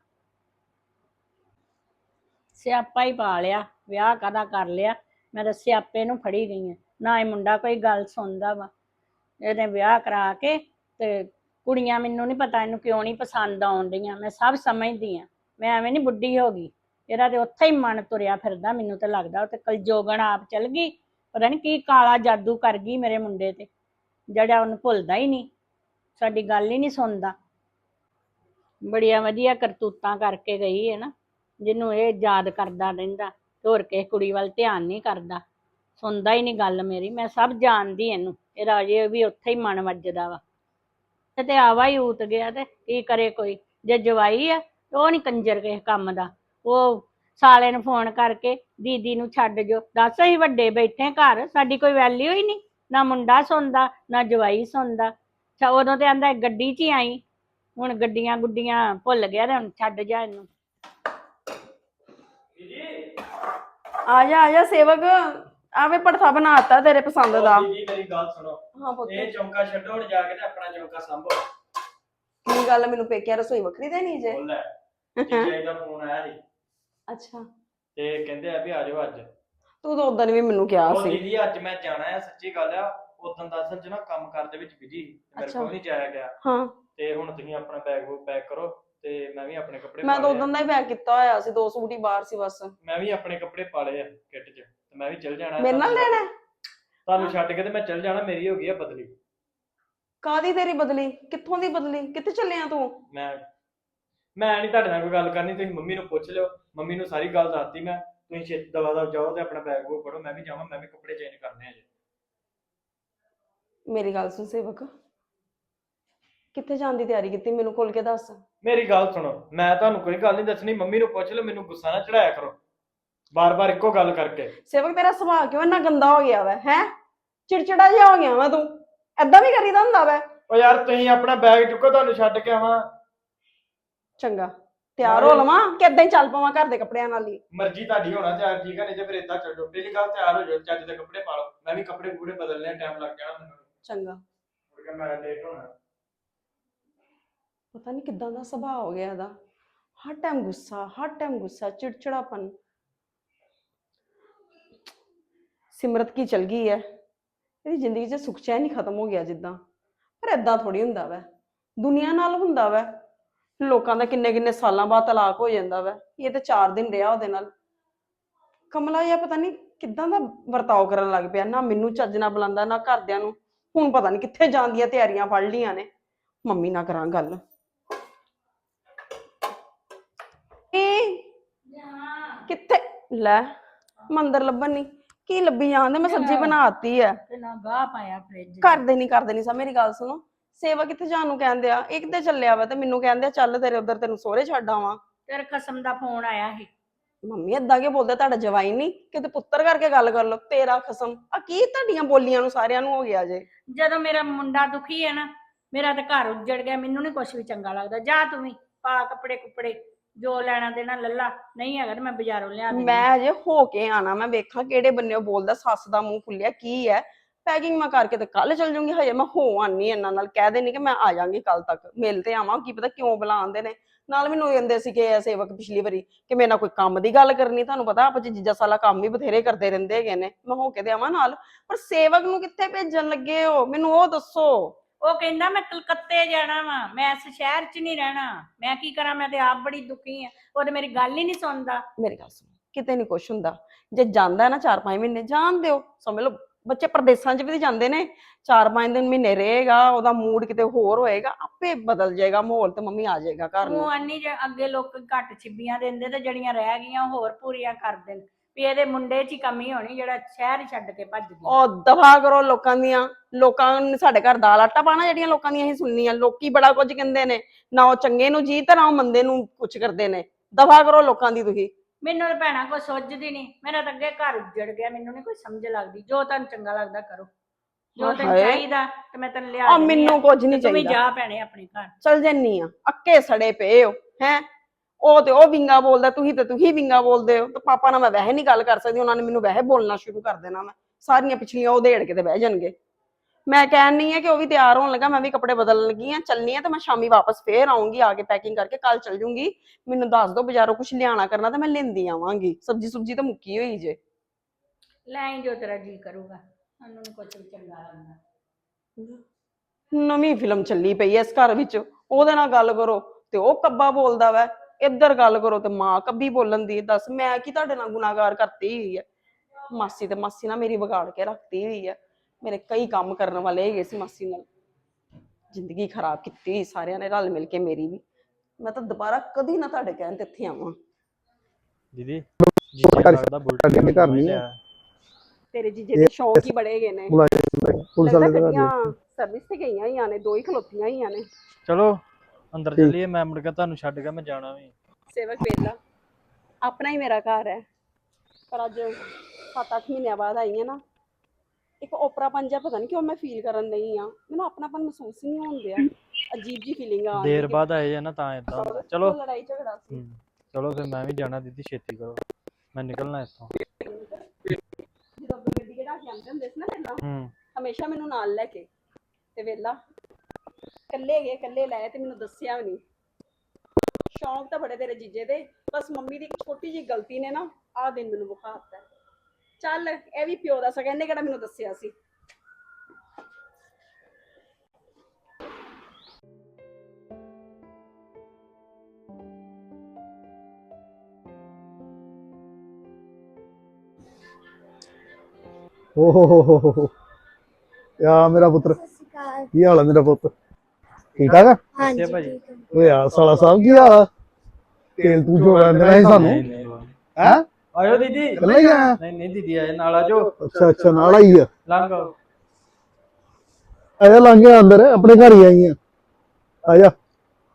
Speaker 1: ਸਿਆਪਾ ਹੀ ਪਾ ਲਿਆ, ਵਿਆਹ ਕਾਹਦਾ ਕਰ ਲਿਆ। ਮੈਂ ਤਾਂ ਸਿਆਪੇ ਨੂੰ ਫੜੀ ਗਈ ਆ, ਨਾ ਇਹ ਮੁੰਡਾ ਕੋਈ ਗੱਲ ਸੁਣਦਾ ਵਾ। ਇਹਨੇ ਵਿਆਹ ਕਰਾ ਕੇ ਤੇ ਕੁੜੀਆਂ, ਮੈਨੂੰ ਨਹੀਂ ਪਤਾ ਇਹਨੂੰ ਕਿਉਂ ਨਹੀਂ ਪਸੰਦ ਆਉਣ ਡੀਆਂ, ਮੈਂ ਸਭ ਸਮਝਦੀ ਆ। ਮੈਂ ਐਵੇਂ ਨਹੀਂ ਬੁੱਢੀ ਹੋ ਗਈ, ਇਹਦਾ ਤੇ ਉੱਥੇ ਹੀ ਮਨ ਤੁਰਿਆ ਫਿਰਦਾ। ਮੈਨੂੰ ਤਾਂ ਲੱਗਦਾ ਉਹ ਤੇ ਕਲਜੋਗਣ ਆਪ ਚਲ ਗਈ, ਪਤਾ ਨਹੀਂ ਕੀ ਕਾਲਾ ਜਾਦੂ ਕਰ ਗਈ ਮੇਰੇ ਮੁੰਡੇ ਤੇ, ਜਿਹੜਾ ਉਹਨੂੰ ਭੁੱਲਦਾ ਹੀ ਨਹੀਂ, ਸਾਡੀ ਗੱਲ ਹੀ ਨਹੀਂ ਸੁਣਦਾ। ਬੜੀਆਂ ਵਧੀਆ ਕਰਤੂਤਾਂ ਕਰਕੇ ਗਈ ਹੈ ਨਾ, ਜਿਹਨੂੰ ਇਹ ਯਾਦ ਕਰਦਾ ਰਹਿੰਦਾ, ਹੋਰ ਕਿਸੇ ਕੁੜੀ ਵੱਲ ਧਿਆਨ ਨਹੀਂ ਕਰਦਾ, ਸੁਣਦਾ ਹੀ ਨਹੀਂ ਗੱਲ ਮੇਰੀ। ਮੈਂ ਸਭ ਜਾਣਦੀ ਇਹਨੂੰ, ਇਹਦਾ ਅਜੇ ਵੀ ਉੱਥੇ ਹੀ ਮਨ ਵੱਜਦਾ ਵਾ। ਤੇ ਆਵਾ ਹੀ ਉਤ ਗਿਆ ਤੇ ਕੀ ਕਰੇ ਕੋਈ। ਜੇ ਜਵਾਈ ਆ ਉਹ ਨਹੀਂ ਕੰਜਰ ਕਿਸੇ ਕੰਮ ਦਾ, ਉਹ ਸਾਲੇ ਨੂੰ ਫੋਨ ਕਰਕੇ ਦੀਦੀ ਨੂੰ ਛੱਡ ਜੋ। ਦੱਸ ਅਸੀਂ ਵੱਡੇ ਬੈਠੇ ਘਰ, ਸਾਡੀ ਕੋਈ ਵੈਲਿਊ ਹੀ ਨਹੀਂ, ਨਾ ਮੁੰਡਾ ਸੁਣਦਾ ਨਾ ਜਵਾਈ ਸੁਣਦਾ। ਉਦੋਂ ਤੇ ਆਂਦਾ ਗੱਡੀ 'ਚ ਹੀ ਆਈ, ਹੁਣ ਗੱਡੀਆਂ ਗੁੱਡੀਆਂ ਭੁੱਲ ਗਿਆ ਤੇ ਹੁਣ ਛੱਡ ਜਾ ਇਹਨੂੰ।
Speaker 3: ਆ ਜਾ ਆ ਜਾ ਸੇਵਕ, ਆਵੇ ਪੜਥਾ ਬਣਾਤਾ ਤੇਰੇ ਪਸੰਦ ਦਾ।
Speaker 2: ਜੀ ਮੇਰੀ ਗੱਲ ਸੁਣੋ,
Speaker 3: ਹਾਂ ਪੁੱਤ।
Speaker 2: ਇਹ ਚੌਂਕਾ ਛੱਡੋ, ਹੁਣ ਜਾ ਕੇ ਤੇ ਆਪਣਾ ਚੌਂਕਾ ਸੰਭੋ।
Speaker 3: ਕੀ ਗੱਲ, ਮੈਨੂੰ ਪੇਕਿਆ ਰਸੋਈ ਵੱਖਰੀ ਦੇਣੀ ਜੇ?
Speaker 2: ਬੋਲ ਲੈ, ਜੀਜੇ ਦਾ ਫੋਨ ਆਇਆ ਸੀ
Speaker 3: ਅੱਛਾ,
Speaker 2: ਤੇ ਕਹਿੰਦੇ ਆ ਵੀ ਆ ਜਾਓ ਅੱਜ।
Speaker 3: ਤੂੰ ਤਾਂ ਉਦੋਂ ਵੀ ਮੈਨੂੰ ਕਿਹਾ
Speaker 2: ਉਹ
Speaker 3: ਸੀ।
Speaker 2: ਦੀਦੀ ਅੱਜ ਮੈਂ ਜਾਣਾ ਆ, ਸੱਚੀ ਗੱਲ ਆ। ਉਦੋਂ ਦਾ ਅਸਲ 'ਚ ਨਾ ਕੰਮ ਕਾਰ ਦੇ ਵਿੱਚ ਬਿਜੀ, ਮੇਰੇ ਕੋਲ ਨਹੀਂ ਜਾਇਆ ਗਿਆ।
Speaker 3: ਹਾਂ,
Speaker 2: ਤੇ ਹੁਣ ਤੁਸੀਂ ਆਪਣਾ ਬੈਗ ਬੂਗ ਪੈਕ ਕਰੋ ਤੇ ਮੈਂ ਵੀ ਆਪਣੇ ਕੱਪੜੇ
Speaker 3: ਮੈਂ
Speaker 2: ਪਾ
Speaker 3: ਤਾਂ
Speaker 2: ਲਏ
Speaker 3: ਉਦੋਂ ਦਾ ਹੀ ਪੈਕ ਕੀਤਾ ਹੋਇਆ ਸੀ, ਦੋ ਸੂਟ ਹੀ ਬਾਹਰ ਸੀ ਬਸ।
Speaker 2: ਮੈਂ ਵੀ ਆਪਣੇ ਕੱਪੜੇ ਪਾ ਲਏ ਆ ਕਿੱਟ 'ਚ, ਤੇ ਮੈਂ ਵੀ ਚੱਲ ਜਾਣਾ।
Speaker 3: ਮੇਰੇ ਨਾਲ ਲੈਣਾ?
Speaker 2: ਤੁਹਾਨੂੰ ਛੱਡ ਕੇ ਤੇ ਮੈਂ ਚੱਲ ਜਾਣਾ, ਮੇਰੀ ਹੋ ਗਈ ਆ ਬਦਲੀ।
Speaker 3: ਕਾਦੀ ਤੇਰੀ ਬਦਲੀ? ਕਿੱਥੋਂ ਦੀ ਬਦਲੀ? ਕਿੱਥੇ ਚੱਲਿਆ ਤੂੰ?
Speaker 2: ਮੈਂ ਮੈਂ ਨਹੀਂ ਤੁਹਾਡੇ ਨਾਲ ਕੋਈ ਗੱਲ ਕਰਨੀ, ਤੁਸੀਂ ਮੰਮੀ ਨੂੰ ਪੁੱਛ ਲਿਓ। ਮੰਮੀ ਨੂੰ ਸਾਰੀ ਗੱਲ ਦੱਸਤੀ ਮੈਂ, ਤੁਸੀਂ ਛੇਤੀ ਦਵਾ ਦਵ ਜਾਓ ਤੇ ਆਪਣਾ ਬੈਗ ਬੂਗ ਫੜੋ, ਮੈਂ ਵੀ ਜਾਵਾਂ, ਮੈਂ ਵੀ ਕੱਪੜੇ ਚੇਂਜ ਕਰਨੇ ਆ ਜੀ।
Speaker 3: ਮੇਰੀ ਗੱਲ ਸੁਣ ਸੇਵਕ, ਕਿੱਥੇ ਜਾਣ ਦੀ ਤਿਆਰੀ ਕੀਤੀ ਮੈਨੂੰ ਖੋਲ ਕੇ ਦੱਸ।
Speaker 2: ਮੇਰੀ ਗੱਲ ਸੁਣੋ, ਮੈਂ ਤੁਹਾਨੂੰ ਕੋਈ ਗੱਲ ਨਹੀਂ ਦੱਸਣੀ, ਮੰਮੀ ਨੂੰ ਪੁੱਛ ਲਓ, ਮੈਨੂੰ ਗੁੱਸਾ ਨਾ ਚੜਾਇਆ ਕਰੋ। ਬਾਰ-ਬਾਰ ਇੱਕੋ ਗੱਲ ਕਰਕੇ।
Speaker 3: ਸੇਵਕ ਤੇਰਾ ਸੁਭਾਅ ਕਿਉਂ ਇੰਨਾ ਗੰਦਾ ਹੋ ਗਿਆ ਵਾ ਹੈ? ਚਿੜਚਿੜਾ ਜਿਹਾ ਹੋ ਗਿਆ ਵਾ ਤੂੰ। ਏਦਾਂ ਵੀ ਕਰੀਦਾ ਹੁੰਦਾ ਵਾ?
Speaker 2: ਓ ਯਾਰ ਤੁਸੀਂ ਆਪਣਾ ਬੈਗ ਚੁੱਕੋ, ਤੁਹਾਨੂੰ ਛੱਡ ਕੇ ਆਵਾਂ।
Speaker 3: ਚੰਗਾ ਤਿਆਰ ਹੋ ਲਵਾਂ ਕਿ ਏਦਾਂ ਹੀ ਚੱਲ ਪਵਾਂ ਘਰ ਦੇ ਕੱਪੜਿਆਂ ਨਾਲ ਹੀ?
Speaker 2: ਮਰਜ਼ੀ ਤੁਹਾਡੀ ਹੋਣਾ ਤਿਆਰ, ਠੀਕ ਹੈ, ਨਹੀਂ ਤੇ ਫਿਰ ਏਦਾਂ ਚੱਲ ਜਾਓ। ਪਹਿਲੀ ਗੱਲ ਤਿਆਰ ਹੋ ਜਾਓ, ਚੱਜ ਦੇ ਕੱਪੜੇ ਪਾ ਲਓ। ਮੈਂ ਵੀ ਕੱਪੜੇ ਕੁਪੜੇ ਬਦਲਨੇ, ਟਾਈਮ ਲੱਗ ਜਾਣਾ ਮੈਨੂੰ।
Speaker 3: ਚੰਗਾ।
Speaker 2: ਮੁੜ ਕੇ ਮੈਂ ਲੇਟ ਹੋਣਾ।
Speaker 3: ਪਤਾ ਨਹੀਂ ਕਿੱਦਾਂ ਦਾ ਸੁਭਾਅ ਹੋ ਗਿਆ ਇਹਦਾ। ਹਰ ਟਾਈਮ ਗੁੱਸਾ, ਹਰ ਟਾਈਮ ਗੁੱਸਾ, ਚਿੜਚਿੜਾਪਨ। ਸਿਮਰਤ ਕੀ ਚਲ ਗਈ ਹੈ, ਇਹਦੀ ਜ਼ਿੰਦਗੀ 'ਚ ਸੁੱਖ ਚੈਨ ਹੀ ਖਤਮ ਹੋ ਗਿਆ ਜਿੱਦਾਂ। ਪਰ ਏਦਾਂ ਥੋੜੀ ਹੁੰਦਾ ਵਾ, ਦੁਨੀਆ ਨਾਲ ਹੁੰਦਾ ਵਾ। ਲੋਕਾਂ ਦਾ ਕਿੰਨੇ ਕਿੰਨੇ ਸਾਲਾਂ ਬਾਅਦ ਤਲਾਕ ਹੋ ਜਾਂਦਾ ਵਾ, ਇਹ ਤਾਂ ਚਾਰ ਦਿਨ ਰਿਹਾ ਉਹਦੇ ਨਾਲ। ਕਮਲਾ ਜਿਹਾ ਪਤਾ ਨਹੀਂ ਕਿੱਦਾਂ ਦਾ ਵਰਤਾਓ ਕਰਨ ਲੱਗ ਪਿਆ, ਨਾ ਮੈਨੂੰ ਚੱਜ ਨਾਲ ਬੁਲਾਉਂਦਾ ਨਾ ਘਰਦਿਆਂ ਨੂੰ। ਹੁਣ ਪਤਾ ਨਹੀਂ ਕਿੱਥੇ ਜਾਣ ਦੀਆਂ ਤਿਆਰੀਆਂ ਫੜ ਲਈਆਂ ਨੇ। ਮੰਮੀ ਨਾਲ ਕਰਾਂ ਗੱਲ। ਕਿੱਥੇ ਲੈ ਮੰਦਰ ਲੱਭਣ ਨਹੀਂ, ਕੀ ਲੱਭੀ ਜਾਂਦੇ? ਮੈਂ ਸਬਜ਼ੀ ਬਣਾਤੀ ਹੈ
Speaker 1: ਤੇ ਨਾ ਗਾਹ ਪਾਇਆ ਫ੍ਰਿਜ
Speaker 3: ਕਰਦੇ ਨਹੀਂ ਕਰਦੇ ਨਹੀਂ ਸਾ। ਮੇਰੀ ਗੱਲ ਸੁਣੋ, ਸੇਵਾ ਕਿੱਥੇ ਜਾਣ ਨੂੰ ਕਹਿੰਦੇ ਆ? ਇੱਕ ਤੇ ਚੱਲਿਆ ਵਾ ਤੇ ਮੈਨੂੰ ਕਹਿੰਦੇ ਆ ਚੱਲ ਤੇਰੇ ਉਧਰ ਤੈਨੂੰ ਸਹੁਰੇ ਛੱਡ ਆਵਾਂ।
Speaker 1: ਤੇਰੇ ਕਸਮ ਦਾ ਫੋਨ ਆਇਆ ਸੀ।
Speaker 3: ਮੰਮੀ ਏਦਾਂ ਕਿ ਬੋਲਦੇ? ਤੁਹਾਡਾ ਜਵਾਈ ਨਹੀਂ ਕਿਤੇ ਪੁੱਤਰ ਕਰਕੇ ਗੱਲ ਕਰ ਲਓ। ਤੇਰਾ ਖਸਮ ਆ ਕੀ ਤੁਹਾਡੀਆਂ ਬੋਲੀਆਂ ਨੂੰ ਸਾਰਿਆਂ ਨੂੰ ਹੋ ਗਿਆ ਜੇ।
Speaker 1: ਜਦੋਂ ਮੇਰਾ ਮੁੰਡਾ ਦੁਖੀ ਹੈ ਨਾ, ਮੇਰਾ ਤਾਂ ਘਰ ਉੱਜੜ ਗਿਆ। ਮੈਨੂੰ ਨੀ ਕੁਛ ਵੀ ਚੰਗਾ ਲੱਗਦਾ। ਜਾ ਤੂੰ ਵੀ ਪਾ ਕੱਪੜੇ ਕੁਪੜੇ, ਜੋ ਲੈਣਾ ਦੇਣਾ ਲੱਲਾ, ਨਹੀਂ ਹੈਗਾ ਤੇ ਮੈਂ ਬਾਜ਼ਾਰੋਂ ਲਿਆ ਦਿੰਦੀ।
Speaker 3: ਮੈਂ ਅਜੇ ਹੋ ਕੇ ਆਣਾ, ਮੈਂ ਵੇਖਾਂ ਕਿਹੜੇ ਬੰਨੇ ਬੋਲਦਾ। ਸੱਸ ਦਾ ਮੂੰਹ ਖੁੱਲਿਆ ਕੀ ਹੈ? ਪੈਕਿੰਗ ਮੈਂ ਕਰਕੇ ਤੇ ਕੱਲ ਚੱਲ ਜੂੰਗੀ। ਹਜੇ ਮੈਂ ਹੋ ਆਨੀ ਇਹਨਾਂ ਨਾਲ, ਕਹਿ ਦੇਣੀ ਕਿ ਮੈਂ ਆ ਜਾਾਂਗੀ ਕੱਲ ਤੱਕ, ਮਿਲ ਤੇ ਆਵਾਂ। ਕੀ ਪਤਾ ਕਿਉਂ ਬੁਲਾਉਂਦੇ ਨੇ। ਨਾਲ ਮੈਨੂੰ ਕਹਿੰਦੇ ਸੀ ਕਿ ਸੇਵਕ ਪਿਛਲੀ ਵਾਰੀ ਕਿ ਮੇਰੇ ਨਾਲ ਕੋਈ ਕੰਮ ਦੀ ਗੱਲ ਕਰਨੀ। ਤੁਹਾਨੂੰ ਪਤਾ ਆਪਾਂ ਜੀਜਾ ਸਾਲਾ ਕੰਮ ਵੀ ਬਥੇਰੇ ਕਰਦੇ ਰਹਿੰਦੇ ਹੈਗੇ ਨੇ। ਮੈਂ ਹੋ ਕੇ ਤੇ ਆਵਾਂ ਨਾਲ, ਪਰ ਸੇਵਕ ਨੂੰ ਕਿੱਥੇ ਭੇਜਣ ਲੱਗੇ ਹੋ ਮੈਨੂੰ ਉਹ ਦੱਸੋ।
Speaker 1: ਉਹ ਕਹਿੰਦਾ ਮੈਂ ਕਲਕੱਤੇ ਜਾਣਾ ਵਾ, ਮੈਂ ਇਸ ਸ਼ਹਿਰ 'ਚ ਨਹੀਂ ਰਹਿਣਾ। ਮੈਂ ਕੀ ਕਰਾਂ, ਮੈਂ ਤੇ ਆਪ ਬੜੀ ਦੁਖੀ ਆ। ਉਹ ਤੇ ਮੇਰੀ ਗੱਲ ਹੀ ਨਹੀਂ ਸੁਣਦਾ।
Speaker 3: ਮੇਰੀ ਗੱਲ ਸੁਣ, ਕਿਤੇ ਨਹੀਂ ਕੁਛ ਹੁੰਦਾ। ਜੇ ਜਾਂਦਾ ਨਾ ਚਾਰ ਪੰਜ ਮਹੀਨੇ ਜਾਣ ਦਿਓ। ਸਮਝ ਲਓ ਬੱਚੇ ਪ੍ਰਦੇਸਾਂ 'ਚ ਵੀ ਜਾਂਦੇ ਨੇ, ਚਾਰ ਪੰਜ ਦਿਨ ਮਹੀਨੇ ਰਹੇਗਾ, ਉਹਦਾ ਮੂਡ ਕਿਤੇ ਹੋਰ ਹੋਏਗਾ, ਆਪੇ ਬਦਲ ਜਾਏਗਾ ਮਾਹੌਲ ਤੇ ਮੰਮੀ ਆ ਜਾਏਗਾ ਘਰ ਨੂੰ।
Speaker 1: ਉਹ ਆਨੀ ਜੇ ਅੱਗੇ ਲੋਕ ਘੱਟ ਛਿੱਬੀਆਂ ਦਿੰਦੇ ਤੇ ਜਿਹੜੀਆਂ ਰਹਿ ਗਈਆਂ ਹੋਰ ਪੂਰੀਆਂ ਕਰ ਦੇਣ ਵੀ ਇਹਦੇ ਮੁੰਡੇ 'ਚ ਹੀ ਕਮੀ ਹੋਣੀ ਜਿਹੜਾ ਸ਼ਹਿਰ ਹੀ ਛੱਡ ਕੇ ਭੱਜ ਗਿਆ।
Speaker 3: ਉਹ ਦਫਾ ਕਰੋ ਲੋਕਾਂ ਦੀਆਂ। ਲੋਕਾਂ ਨੇ ਸਾਡੇ ਘਰ ਦਾਲ ਆਟਾ ਪਾਣਾ ਜਿਹੜੀਆਂ ਲੋਕਾਂ ਦੀਆਂ ਅਸੀਂ ਸੁਣਨੀਆਂ। ਲੋਕੀ ਬੜਾ ਕੁਝ ਕਹਿੰਦੇ ਨੇ, ਨਾ ਉਹ ਚੰਗੇ ਨੂੰ ਜੀ ਤੇ ਨਾ ਉਹ ਮੰਦੇ ਨੂੰ ਕੁਛ ਕਰਦੇ ਨੇ। ਦਫਾ ਕਰੋ ਲੋਕਾਂ ਦੀ ਤੁਸੀਂ।
Speaker 1: ਮੈਨੂੰ ਤਾਂ ਭੈਣਾ ਕੋਈ ਸੁੱਝਦੀ ਨਹੀਂ। ਮੇਰਾ ਤਾਂ ਅੱਗੇ ਘਰ ਉੱਜੜ ਗਿਆ, ਮੈਨੂੰ ਨਹੀਂ ਕੋਈ ਸਮਝ ਲੱਗਦੀ। ਜੋ ਤੁਹਾਨੂੰ ਚੰਗਾ ਲੱਗਦਾ ਕਰੋ, ਜੋ ਤੈਨੂੰ ਚਾਹੀਦਾ ਤੇ ਮੈਂ ਤੈਨੂੰ ਲਿਆ
Speaker 3: ਆ ਮੈਨੂੰ ਕੁਝ ਨਹੀਂ
Speaker 1: ਤੂੰ ਵੀ
Speaker 3: ਚਾਹੀਦਾ।
Speaker 1: ਜਾ ਭੈਣੇ ਆਪਣੇ ਘਰ
Speaker 3: ਚਲ ਜੰਨੀ ਆ, ਅੱਕੇ ਸੜੇ ਪਏ ਹੋ ਹੈ। ਉਹ ਤੇ ਉਹ ਵਿੰਗਾ ਬੋਲਦਾ, ਤੁਸੀਂ ਤੇ ਤੁਸੀਂ ਵਿੰਗਾ ਬੋਲਦੇ ਹੋ। ਤੇ ਪਾਪਾ ਨਾਲ ਮੈਂ ਵੈਸੇ ਨਹੀਂ ਗੱਲ ਕਰ ਸਕਦੀ, ਉਹਨਾਂ ਨੇ ਮੈਨੂੰ ਵੈਸੇ ਬੋਲਣਾ ਸ਼ੁਰੂ ਕਰ ਦੇਣਾ। ਮੈਂ ਸਾਰੀਆਂ ਪਿਛਲੀਆਂ ਉਹ ਦੇੜ ਕੇ ਤੇ ਬਹਿ ਜਾਣਗੇ। ਮੈਂ ਕਹਿਣ ਨਹੀਂ ਹੈ ਕਿ ਉਹ ਵੀ ਤਿਆਰ ਹੋਣ ਲੱਗਾ, ਮੈਂ ਵੀ ਕੱਪੜੇ ਬਦਲਣ ਲੱਗੀ ਆ, ਚੱਲਣੀ ਆ। ਤੇ ਮੈਂ ਸ਼ਾਮੀ ਵਾਪਸ ਫੇਰ ਆਉਂਗੀ, ਆ ਕੇ ਪੈਕਿੰਗ ਕਰਕੇ ਕੱਲ ਚੱਲ ਜੂੰਗੀ। ਮੈਨੂੰ ਦੱਸ ਦੋ ਬਾਜ਼ਾਰੋਂ ਕੁਝ ਲਿਆਣਾ ਕਰਨਾ ਤੇ ਮੈਂ ਲੈਂਦੀ ਆਵਾਂਗੀ। ਸਬਜ਼ੀ ਸੁਬਜੀ ਤਾਂ ਮੁੱਕੀ ਹੋਈ ਜੇ।
Speaker 1: ਲੈ ਜੋ ਤੇਰਾ ਜੀ ਕਰੂਗਾ, ਸਾਨੂੰ ਨੀ ਕੁਛ ਵੀ ਚੰਗਾ ਲੱਗਦਾ।
Speaker 3: ਨਵੀਂ ਫਿਲਮ ਚੱਲੀ ਪਈ ਐ ਇਸ ਘਰ ਵਿੱਚ। ਉਹਦੇ ਨਾਲ ਗੱਲ ਕਰੋ ਤੇ ਉਹ ਕੱਬਾ ਬੋਲਦਾ ਵਾ, ਇੱਧਰ ਗੱਲ ਕਰੋ ਤੇ ਮਾਂ ਕੱਬੀ ਬੋਲਣ ਦੀ। ਦੱਸ ਮੈਂ ਕੀ ਤੁਹਾਡੇ ਨਾਲ ਗੁਨਾਹਗਾਰ ਕਰਤੀ ਹੋਈ ਹੈ? ਮਾਸੀ ਤੇ ਮਾਸੀ ਨਾਲ ਮੇਰੀ ਵਿਗਾੜ ਕੇ ਰੱਖਤੀ ਹੋਈ ਹੈ। ਮੇਰੇ ਕਈ ਕੰਮ ਕਰਨ ਵਾਲੇ ਹੈਗੇ ਸੀ ਮਾਸੀ ਨਾਲ, ਜ਼ਿੰਦਗੀ ਖਰਾਬ ਕੀਤੀ ਸਾਰਿਆਂ ਨੇ ਰਲ ਮਿਲ ਕੇ ਮੇਰੀ ਵੀ। ਮੈਂ ਤਾਂ ਦੁਬਾਰਾ ਕਦੀ ਨਾ ਤੁਹਾਡੇ ਕਹਿਣ ਤੇ ਇੱਥੇ ਆਵਾਂ।
Speaker 2: ਦੀਦੀ ਜੀਜੇ ਲੱਗਦਾ ਬੁਲਟ
Speaker 4: ਅੱਗੇ ਘਰ ਨਹੀਂ ਹੈ।
Speaker 3: ਤੇਰੇ ਜੀਜੇ ਦੇ ਸ਼ੌਂਕ ਹੀ ਬੜੇ ਹੈਗੇ ਨੇ।
Speaker 4: ਪੁਲਿਸ ਵਾਲੇ ਦਾ
Speaker 3: ਗੱਡੀਆਂ ਸਰਵਿਸ ਤੇ ਗਈਆਂ ਹੋਈਆਂ ਨੇ, ਦੋ ਹੀ ਖਲੋਤੀਆਂ ਹੋਈਆਂ ਨੇ।
Speaker 2: ਚਲੋ ਅੰਦਰ ਚੱਲੀਏ, ਮੈਂ ਮੁੜ ਕੇ ਤੁਹਾਨੂੰ ਛੱਡ ਕੇ ਮੈਂ ਜਾਣਾ ਵੀ।
Speaker 3: ਸੇਵਕ ਵੇਲਾ ਆਪਣਾ ਹੀ ਮੇਰਾ ਘਰ ਹੈ, ਪਰ ਅੱਜ ਸੱਤ ਅੱਠ ਮਹੀਨਿਆਂ ਬਾਅਦ ਆਈ ਹਾਂ ਨਾ, ਇੱਕ ਓਪਰਾਪਨ ਜਿਹਾ ਪਤਾ ਨਹੀਂ ਕਿਉਂ ਮੈਂ ਫੀਲ ਕਰਨ ਨਹੀਂ ਆ। ਮੈਨੂੰ ਆਪਣਾਪਨ ਮਹਿਸੂਸ ਹੀ ਨਹੀਂ ਹੋਣ ਦਿਆ। ਅਜੀਬ ਜੀ ਫੀਲਿੰਗ ਆ।
Speaker 2: ਦੇਰ ਬਾਅਦ ਆਏ ਆ ਨਾ ਤਾਂ ਇਦਾਂ ਹੁੰਦਾ। ਚਲੋ
Speaker 3: ਲੜਾਈ ਝਗੜਾ ਸੀ।
Speaker 2: ਚਲੋ ਫਿਰ ਮੈਂ ਵੀ ਜਾਣਾ ਦੀਦੀ, ਛੇਤੀ ਕਰੋ, ਮੈਂ ਨਿਕਲਣਾ ਇੱਥੋਂ।
Speaker 3: ਜਦੋਂ ਗੱਡੀ ਕਿਹੜਾ ਕੇ ਆਉਂਦੇ ਹੁੰਦੇ ਸੀ ਨਾ ਪਹਿਲਾਂ,
Speaker 2: ਹੂੰ
Speaker 3: ਹਮੇਸ਼ਾ ਮੈਨੂੰ ਨਾਲ ਲੈ ਕੇ, ਤੇ ਵੇਲਾ ਇਕੱਲੇ ਗਏ ਇਕੱਲੇ ਲਾਏ ਤੇ ਮੈਨੂੰ ਦੱਸਿਆ ਵੀ ਨਹੀਂ। ਸ਼ੌਂਕ ਤਾਂ ਬੜੇ ਤੇਰੇ ਜੀਜੇ ਦੇ, ਬਸ ਮੰਮੀ ਦੀ ਇੱਕ ਛੋਟੀ ਜਿਹੀ ਗਲਤੀ ਨੇ ਨਾ ਆਹ ਦਿਨ ਮੈਨੂੰ ਵਿਖਾ ਦਿੱਤਾ। ਚੱਲ ਇਹ ਵੀ ਪਿਓ ਦਾ ਸਗਾ, ਇਹਨੇ ਕਿਹੜਾ ਮੈਨੂੰ ਦੱਸਿਆ ਸੀ।
Speaker 4: ਓ ਹੋ ਹੋ ਹੋ ਹੋ ਯਾ ਮੇਰਾ ਪੁੱਤਰ, ਕੀ ਹਾਲ ਹੈ ਮੇਰਾ ਪੁੱਤ? ਠੀਕ ਠਾਕ ਆ?
Speaker 2: ਹਾਂਜੀ ਭਾਜੀ।
Speaker 4: ਓ ਯਾਰ ਸਾਲਾ ਸਾਹਿਬ ਕੀ ਹਾਲ ਆ? ਤੇਲ ਤੂੰ ਜੋ ਦੇਣਾ ਸੀ ਸਾਨੂੰ ਹੈ?
Speaker 2: ਆਇਓ ਦੀਦੀ।
Speaker 4: ਕੱਲਾ ਹੀ ਆਇਆ?
Speaker 2: ਨਹੀਂ ਨਹੀਂ ਦੀਦੀ ਆਏ ਨਾਲ, ਆਜੋ।
Speaker 4: ਅੱਛਾ ਅੱਛਾ ਨਾਲ ਆਈ ਆ।
Speaker 2: ਲੰਘੋ
Speaker 4: ਆਇਆ ਲੰਘ ਗਿਆ ਅੰਦਰ, ਆਪਣੇ ਘਰ ਹੀ ਆਈ ਆ। ਆਜਾ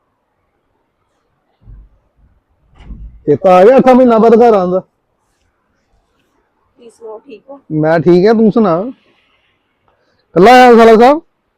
Speaker 4: ਚੇਤਾ ਆ ਗਿਆ ਅੱਠਾਂ ਮਹੀਨਾ ਬਾਅਦ ਘਰ ਆਉਂਦਾ।
Speaker 3: ਤੁਸੀਂ ਸੁਣਾਓ ਠੀਕ ਹੋ?
Speaker 4: ਮੈਂ ਠੀਕ ਹੈ, ਤੂੰ ਸੁਣਾ। ਕੱਲਾ ਆਇਆ ਸਾਲਾ ਸਾਹਿਬ?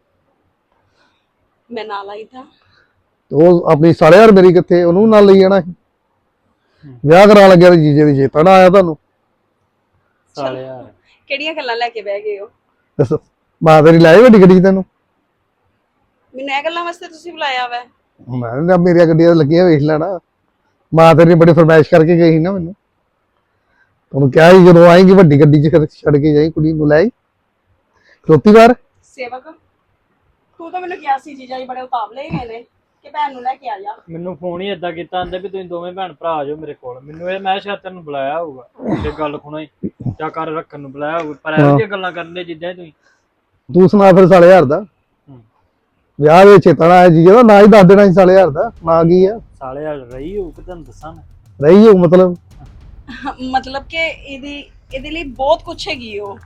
Speaker 3: ਮੈਂ ਨਾਲ ਆਈ ਥਾ।
Speaker 4: ਉਹ ਆਪਣੀ ਸਾਲੇ ਯਾਰ ਮੇਰੀ ਕਿੱਥੇ, ਉਹਨੂੰ ਨਾਲ ਲਈ ਜਾਣਾ ਸੀ। ਵਿਆਹ ਕਰਾਉਣ ਲੱਗਿਆ ਤੇ ਜੀਜੇ ਦੀ ਚੇਤਾ ਨਾ ਆਇਆ ਤੁਹਾਨੂੰ?
Speaker 2: ਸਾਲੇ ਯਾਰ
Speaker 3: ਕਿਹੜੀਆਂ ਗੱਲਾਂ ਲੈ ਕੇ ਬਹਿ ਗਏ ਹੋ?
Speaker 4: ਦੱਸੋ, ਮਾਂ ਤੇਰੀ ਲਾਈ ਵੱਡੀ ਗੱਡੀ 'ਚ ਤੈਨੂੰ?
Speaker 3: ਮੈਨੂੰ ਇਹ ਗੱਲਾਂ ਵਾਸਤੇ ਤੁਸੀਂ ਬੁਲਾਇਆ ਵਾ?
Speaker 4: ਮੈਂ ਕਿਹਾ ਮੇਰੀਆਂ ਗੱਡੀਆਂ ਲੱਗੀਆਂ ਵੇਖ ਲੈਣਾ। ਮਾਂ ਤੇਰੀ ਬੜੀ ਫਰਮਾਇਸ਼ ਕਰਕੇ ਗਈ ਸੀ ਨਾ ਮੈਨੂੰ। ਉਹਨੂੰ ਕਿਹਾ ਸੀ ਜਦੋਂ ਆਏਗੀ ਵੱਡੀ ਗੱਡੀ 'ਚ ਫਿਰ ਛੱਡ ਕੇ ਜਾਈ ਕੁੜੀ ਨੂੰ, ਲੈ ਆਈ ਖਲੋਤੀ ਬਾਹਰ।
Speaker 3: ਸੇਵਕ, ਤੂੰ ਤਾਂ ਮੈਨੂੰ ਕਿਹਾ ਸੀ ਜੀਜਾ ਜੀ ਬੜੇ ਉਤਾਵਲੇ ਹੀ ਨੇ ਕਿ ਭੈਣ ਨੂੰ ਲੈ ਕੇ ਆ ਜਾ।
Speaker 2: ਮੈਨੂੰ ਫੋਨ ਹੀ ਏਦਾਂ ਕੀਤਾ ਆਂਦੇ ਵੀ ਤੁਸੀਂ ਦੋਵੇਂ ਭੈਣ ਭਰਾ ਆ ਜਾਓ ਮੇਰੇ ਕੋਲ। ਮੈਨੂੰ ਇਹ ਮੈਂ ਸ਼ਾਇਦ ਤੈਨੂੰ ਬੁਲਾਇਆ ਹੋਊਗਾ ਤੇ ਗੱਲ ਖੁਣਾ ਹੀ ਚਾ ਕਰ ਰੱਖਣ ਨੂੰ ਬੁਲਾਇਆ ਹੋਊਗਾ, ਪਰ ਇਹੋ ਜਿਹੀਆਂ ਗੱਲਾਂ ਕਰਨ ਦੇ ਜਿੱਦਾਂ ਤੁਸੀਂ।
Speaker 4: ਤੂੰ ਸੁਣਾ ਫਿਰ ਸਾਲੇ ਯਾਰ ਦਾ ਵਿਆਹ ਦੇ ਚੇਤਾ ਨਾ ਆਇਆ ਜੀਜੇ ਦਾ, ਨਾ ਹੀ ਦੱਸ ਦੇਣਾ ਸੀ ਸਾਲੇ ਯਾਰ ਦਾ ਨਾਂ ਕੀ ਆ।
Speaker 2: ਸਾਲੇ ਯਾਰ ਰਹੀ ਹੋਊ ਕਿ ਤੁਹਾਨੂੰ ਦੱਸਾਂ ਮੈਂ।
Speaker 4: ਰਹੀ ਹੋ ਮਤਲਬ?
Speaker 3: ਮਤਲਬ ਕਿ ਇਹਦੀ ਇਹਦੇ ਲਈ ਬਹੁਤ ਕੁਛ ਹੈਗੀ ਉਹ।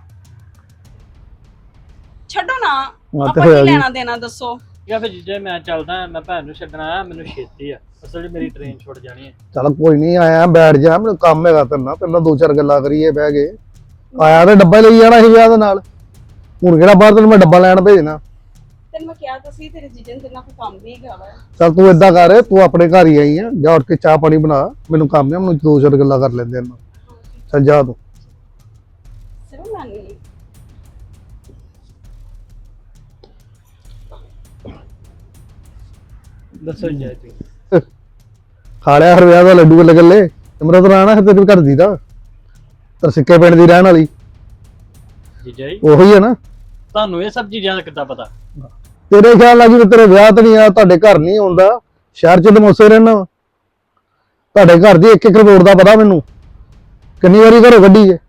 Speaker 3: ਛੱਡੋ ਨਾ,
Speaker 4: ਹਾਂ ਤੇ
Speaker 3: ਆਪਾਂ
Speaker 4: ਹੋਇਆ
Speaker 3: ਕੀ
Speaker 4: ਕੀ?
Speaker 3: ਲੈਣਾ ਦੇਣਾ ਦੱਸੋ।
Speaker 2: ਜਾਂ ਫਿਰ ਜੇ ਮੈਂ ਚੱਲਦਾ ਮੈਂ ਭੈਣ ਨੂੰ ਛੱਡਣ ਆਇਆ, ਮੈਨੂੰ ਛੇਤੀ ਆ ਅਸਲ 'ਚ ਮੇਰੀ ਟ੍ਰੇਨ ਛੁੱਟ ਜਾਣੀ ਹੈ।
Speaker 4: ਚੱਲ ਕੋਈ ਨਹੀਂ, ਆਇਆ ਬੈਠ ਜਾ, ਮੈਨੂੰ ਕੰਮ ਹੈਗਾ ਤੇਰੇ ਨਾਲ, ਪਹਿਲਾਂ ਦੋ ਚਾਰ ਗੱਲਾਂ ਕਰੀਏ ਬਹਿ ਕੇ। ਆਇਆ ਤੇ ਡੱਬਾ ਹੀ ਲਈ ਜਾਣਾ ਸੀ ਵਿਆਹ ਦੇ ਨਾਲ, ਹੁਣ ਕਿਹੜਾ ਬਾਹਰ ਤੈਨੂੰ ਮੈਂ ਡੱਬਾ ਲੈਣ ਭੇਜਣਾ।
Speaker 3: ਤੈਨੂੰ ਮੈਂ ਕਿਹਾ ਤਾਂ ਸੀ ਤੇਰੇ ਜੀਜੇ ਨੂੰ ਤੇਰੇ ਨਾਲ ਕੋਈ ਕੰਮ ਵੀ ਹੈਗਾ ਵਾ।
Speaker 4: ਚੱਲ ਤੂੰ ਏਦਾਂ ਕਰ, ਤੂੰ ਆਪਣੇ ਘਰ ਹੀ ਆਈ ਆ, ਜਾ ਉੱਠ ਕੇ ਚਾਹ ਪਾਣੀ ਬਣਾ, ਮੈਨੂੰ ਕੰਮ ਆ, ਮੈਨੂੰ ਦੋ ਚਾਰ ਗੱਲਾਂ ਕਰ ਲੈਂਦੇ ਇਹਨਾਂ। ਚੱਲ ਜਾ ਤੂੰ।
Speaker 3: ਸਿਰਫ ਮੈਂ ਨਹੀਂ
Speaker 2: ਦੱਸੋ ਜੀ ਤੁਸੀਂ।
Speaker 4: ਖਾ ਲਿਆ ਹਰ ਵਿਆਹ ਦਾ ਲੱਡੂ ਗੱਲੇ ਗੱਲੇ। ਸਿਮਰਤ ਰਾਣਾ ਹੈ ਤੇਰੇ ਘਰ ਦੀ ਦਾ, ਤਰ ਸਿੱਕੇ ਪਿੰਡ ਦੀ ਰਹਿਣ ਵਾਲੀ
Speaker 2: ਜੀਜਾ ਜੀ
Speaker 4: ਉਹੀ ਹੈ ਨਾ।
Speaker 2: ਤੁਹਾਨੂੰ ਇਹ ਸਭ ਚੀਜ਼ਾਂ ਦਾ ਕਿੱਦਾਂ ਪਤਾ?
Speaker 4: ਤੇਰੇ ਖਿਆਲ ਨਾਲ ਜੀ ਤੇਰੇ ਵਿਆਹ ਤੇ ਨਹੀਂ ਆ, ਤੁਹਾਡੇ ਘਰ ਨਹੀਂ ਆਉਂਦਾ, ਸ਼ਹਿਰ ਚ ਲਮੋਸੇ ਰਹਿਣਾ। ਤੁਹਾਡੇ ਘਰ ਦੀ ਇੱਕ ਇੱਕ ਕਰੋੜ ਦਾ ਪਤਾ ਮੈਨੂੰ, ਕਿੰਨੀ ਵਾਰੀ ਘਰੋਂ ਕੱਢੀ ਜੇ।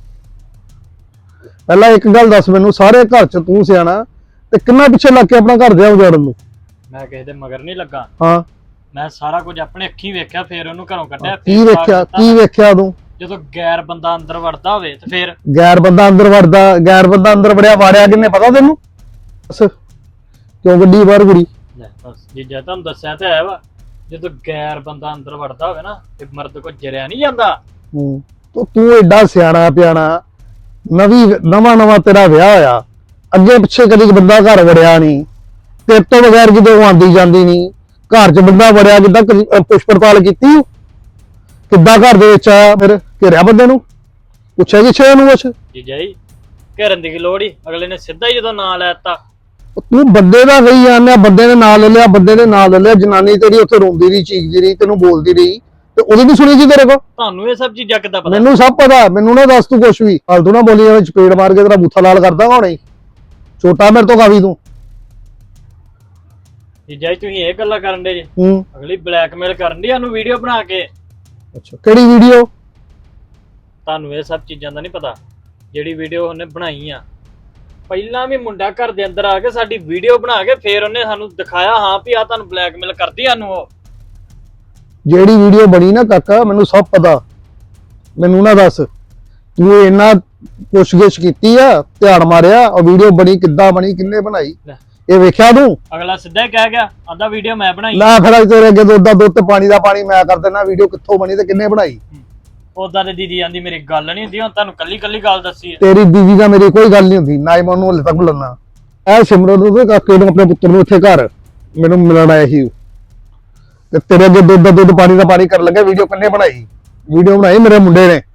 Speaker 4: ਪਹਿਲਾਂ ਇੱਕ ਗੱਲ ਦੱਸ ਮੈਨੂੰ, ਸਾਰੇ ਘਰ ਚ ਤੂੰ ਸਿਆਣਾ ਤੇ ਕਿੰਨਾ ਪਿੱਛੇ ਲੱਗ ਕੇ ਆਪਣਾ ਘਰ ਦੇ ਉਜਾੜਨ ਨੂੰ?
Speaker 2: ਮੈਂ ਕਿਸੇ ਦੇ ਮਗਰ ਨਹੀਂ ਲੱਗਾ,
Speaker 4: ਹਾਂ
Speaker 2: ਮੈਂ ਸਾਰਾ ਕੁਝ ਆਪਣੇ ਅੱਖੀਂ ਵੇਖਿਆ, ਫੇਰ ਉਹਨੂੰ ਘਰੋਂ ਕੱਢਿਆ।
Speaker 4: ਕੀ
Speaker 2: ਫਿਰ
Speaker 4: ਵੇਖਿਆ,
Speaker 2: ਦਿੱਤਾ।
Speaker 4: ਕੀ ਵੇਖਿਆ ਤੂੰ?
Speaker 2: ਜਦੋਂ ਗੈਰ ਬੰਦਾ ਅੰਦਰ ਵੜਦਾ ਹੋਵੇ ਤੇ ਫੇਰ
Speaker 4: ਗੈਰ ਬੰਦਾ ਅੰਦਰ ਵੜਦਾ, ਗੈਰ ਬੰਦਾ ਅੰਦਰ ਵੜਿਆ ਵਾੜਿਆ ਕਿੰਨੇ ਪਤਾ ਤੈਨੂੰ? ਬਸ ਕਿਉਂ ਗੱਡੀ ਬਾਹਰ ਕੁੜੀ?
Speaker 2: ਲੈ ਬਸ ਜੀਜਾ ਤੁਹਾਨੂੰ ਦੱਸਿਆ ਤਾਂ ਹੈ ਵਾ, ਜਦੋਂ ਗੈਰ ਬੰਦਾ ਅੰਦਰ ਵੜਦਾ ਹੋਵੇ ਨਾ ਤੇ ਮਰਦ ਕੋ ਜਰਿਆ ਨਹੀਂ ਜਾਂਦਾ।
Speaker 4: ਹੂੰ ਤੂੰ ਤੂੰ ਐਡਾ ਸਿਆਣਾ ਪਿਆਣਾ, ਨਵੀਂ ਨਵਾਂ ਨਵਾਂ ਤੇਰਾ ਵਿਆਹ ਹੋਇਆ, ਅੱਗੇ ਪਿੱਛੇ ਕਦੀ ਬੰਦਾ ਘਰ ਵੜਿਆ ਨਹੀਂ, ਤੇਰੇ ਤੋਂ ਬਗੈਰ ਕਿਤੇ ਉਹ ਆਂਦੀ ਜਾਂਦੀ ਨਹੀਂ, ਘਰ 'ਚ ਬੰਦਾ ਵੜਿਆ ਕਿੱਦਾਂ, ਕਦੀ ਪੁੱਛ ਪੜਤਾਲ ਕੀਤੀ? ਕਿੱਦਾਂ ਘਰ ਦੇ ਵਿੱਚ ਆਇਆ? ਫਿਰ ਘੇਰਿਆ ਬੰਦੇ ਨੂੰ, ਪੁੱਛਿਆ ਕਿ ਛੇ ਨੂੰ ਕੁਛ?
Speaker 2: ਜੀਜਾ ਜੀ ਘਰਨ ਦੀ ਕੀ ਲੋੜ ਹੀ, ਅਗਲੇ ਨੇ ਸਿੱਧਾ ਹੀ ਜਦੋਂ ਨਾਂ ਲੈ ਦਿੱਤਾ।
Speaker 4: ਤੂੰ ਬੰਦੇ ਦਾ ਕਹੀ ਜਾਂਦੇ, ਬੰਦੇ ਨੇ ਨਾਂ ਲੈ ਲਿਆ, ਬੰਦੇ ਨੇ ਨਾਂ ਲੈ ਲਿਆ, ਜਨਾਨੀ ਤੇਰੀ ਉੱਥੇ ਰੋਂਦੀ ਰਹੀ, ਚੀਕਦੀ ਰਹੀ, ਤੈਨੂੰ ਬੋਲਦੀ ਰਹੀ, ਤੇ ਉਹਦੀ ਵੀ ਸੁਣੀ ਸੀ ਤੇਰੇ ਕੋਲ?
Speaker 2: ਤੁਹਾਨੂੰ ਇਹ ਸਭ ਚੀਜ਼ਾਂ ਕਿੱਦਾਂ ਪਤਾ?
Speaker 4: ਮੈਨੂੰ ਸਭ ਪਤਾ, ਮੈਨੂੰ ਨਾ ਦੱਸ ਤੂੰ ਕੁਛ ਵੀ ਫਾਲਤੂ ਨਾ ਬੋਲੀ ਜਾਵੇਂ, ਚਪੇੜ ਮਾਰ ਕੇ ਤੇਰਾ ਬੂਥਾ ਲਾਲ ਕਰਦਾ ਹੁਣੇ। ਛੋਟਾ ਮੇਰੇ ਤੋਂ ਕਾਫੀ ਤੂੰ।
Speaker 2: ਜੀਜਾ ਜੀ ਤੁਸੀਂ ਇਹ ਗੱਲਾਂ ਕਰਨ ਦੇ ਜੀ,
Speaker 4: ਹੂੰ
Speaker 2: ਅਗਲੀ ਬਲੈਕਮੇਲ ਕਰਨ ਦੀ ਸਾਨੂੰ ਵੀਡੀਓ ਬਣਾ ਕੇ।
Speaker 4: ਅੱਛਾ ਕਿਹੜੀ ਵੀਡੀਓ?
Speaker 2: ਤੁਹਾਨੂੰ ਇਹ ਸਭ ਚੀਜ਼ਾਂ ਦਾ ਨਹੀਂ ਪਤਾ? ਜਿਹੜੀ ਵੀਡੀਓ ਉਹਨੇ ਬਣਾਈ ਆ, ਪਹਿਲਾਂ ਵੀ ਮੁੰਡਾ ਘਰ ਦੇ ਅੰਦਰ ਆ ਕੇ ਸਾਡੀ ਵੀਡੀਓ ਬਣਾ ਕੇ ਫੇਰ ਉਹਨੇ ਸਾਨੂੰ ਦਿਖਾਇਆ, ਹਾਂ ਵੀ ਆ ਤੁਹਾਨੂੰ ਬਲੈਕਮੇਲ ਕਰਦੀ ਸਾਨੂੰ ਉਹ।
Speaker 4: ਜਿਹੜੀ ਵੀਡੀਓ ਬਣੀ ਨਾ ਕਾਕਾ, ਮੈਨੂੰ ਸਭ ਪਤਾ, ਮੈਨੂੰ ਨਾ ਦੱਸ ਤੂੰ ਇੰਨਾ ਪੁੱਛਗਿੱਛ ਕੀਤੀ ਆ, ਧਿਆਨ ਮਾਰਿਆ, ਉਹ ਵੀਡੀਓ ਬਣੀ ਕਿੱਦਾਂ ਬਣੀ, ਕਿੰਨੇ ਬਣਾਈ, ਇਹ ਵੇਖਿਆ ਤੂੰ?
Speaker 2: ਅਗਲਾ ਸਿੱਧਾ ਹੀ ਕਹਿ ਗਿਆ, ਆਂਦਾ ਵੀਡੀਓ ਮੈਂ ਬਣਾਈ।
Speaker 4: ਲੈ ਫਿਰ ਅੱਜ ਤੇਰੇ ਅੱਗੇ ਦੁੱਧ ਦਾ ਦੁੱਧ ਤੇ ਪਾਣੀ ਦਾ ਪਾਣੀ ਮੈਂ ਕਰ ਦੇਣਾ, ਵੀਡੀਓ ਕਿੱਥੋਂ ਬਣੀ ਤੇ ਕਿੰਨੇ ਬਣਾਈ?
Speaker 2: ਉਦਾਂ ਤੇ ਦੀਦੀ ਆਂਦੀ ਮੇਰੀ ਗੱਲ ਨਹੀਂ ਹੁੰਦੀ, ਹੁਣ ਤੁਹਾਨੂੰ ਕੱਲੀ ਕੱਲੀ ਗੱਲ ਦੱਸੀ ਹੈ।
Speaker 4: ਤੇਰੀ ਦੀਦੀ ਦਾ ਮੇਰੀ ਕੋਈ ਗੱਲ ਨਹੀਂ ਹੁੰਦੀ, ਨਾ ਹੀ ਮੈਂ ਉਹਨੂੰ ਹਲੇ ਤੱਕ ਬੁਲਾਉਣਾ। ਇਹ ਸਿਮਰਤ ਨੂੰ ਤੇ ਕਾਕੇ ਨੂੰ, ਆਪਣੇ ਪੁੱਤਰ ਨੂੰ ਇੱਥੇ ਘਰ ਮੈਨੂੰ ਮਿਲਣ ਆਇਆ ਸੀ, ਤੇ ਤੇਰੇ ਅੱਗੇ ਦੁੱਧ ਦਾ ਦੁੱਧ ਪਾਣੀ ਦਾ ਪਾਣੀ ਕਰਨ ਲੱਗਾ। ਵੀਡੀਓ ਕਿੰਨੇ ਬਣਾਈ? ਵੀਡੀਓ ਬਣਾਈ ਮੇਰੇ ਮੁੰਡੇ ਨੇ,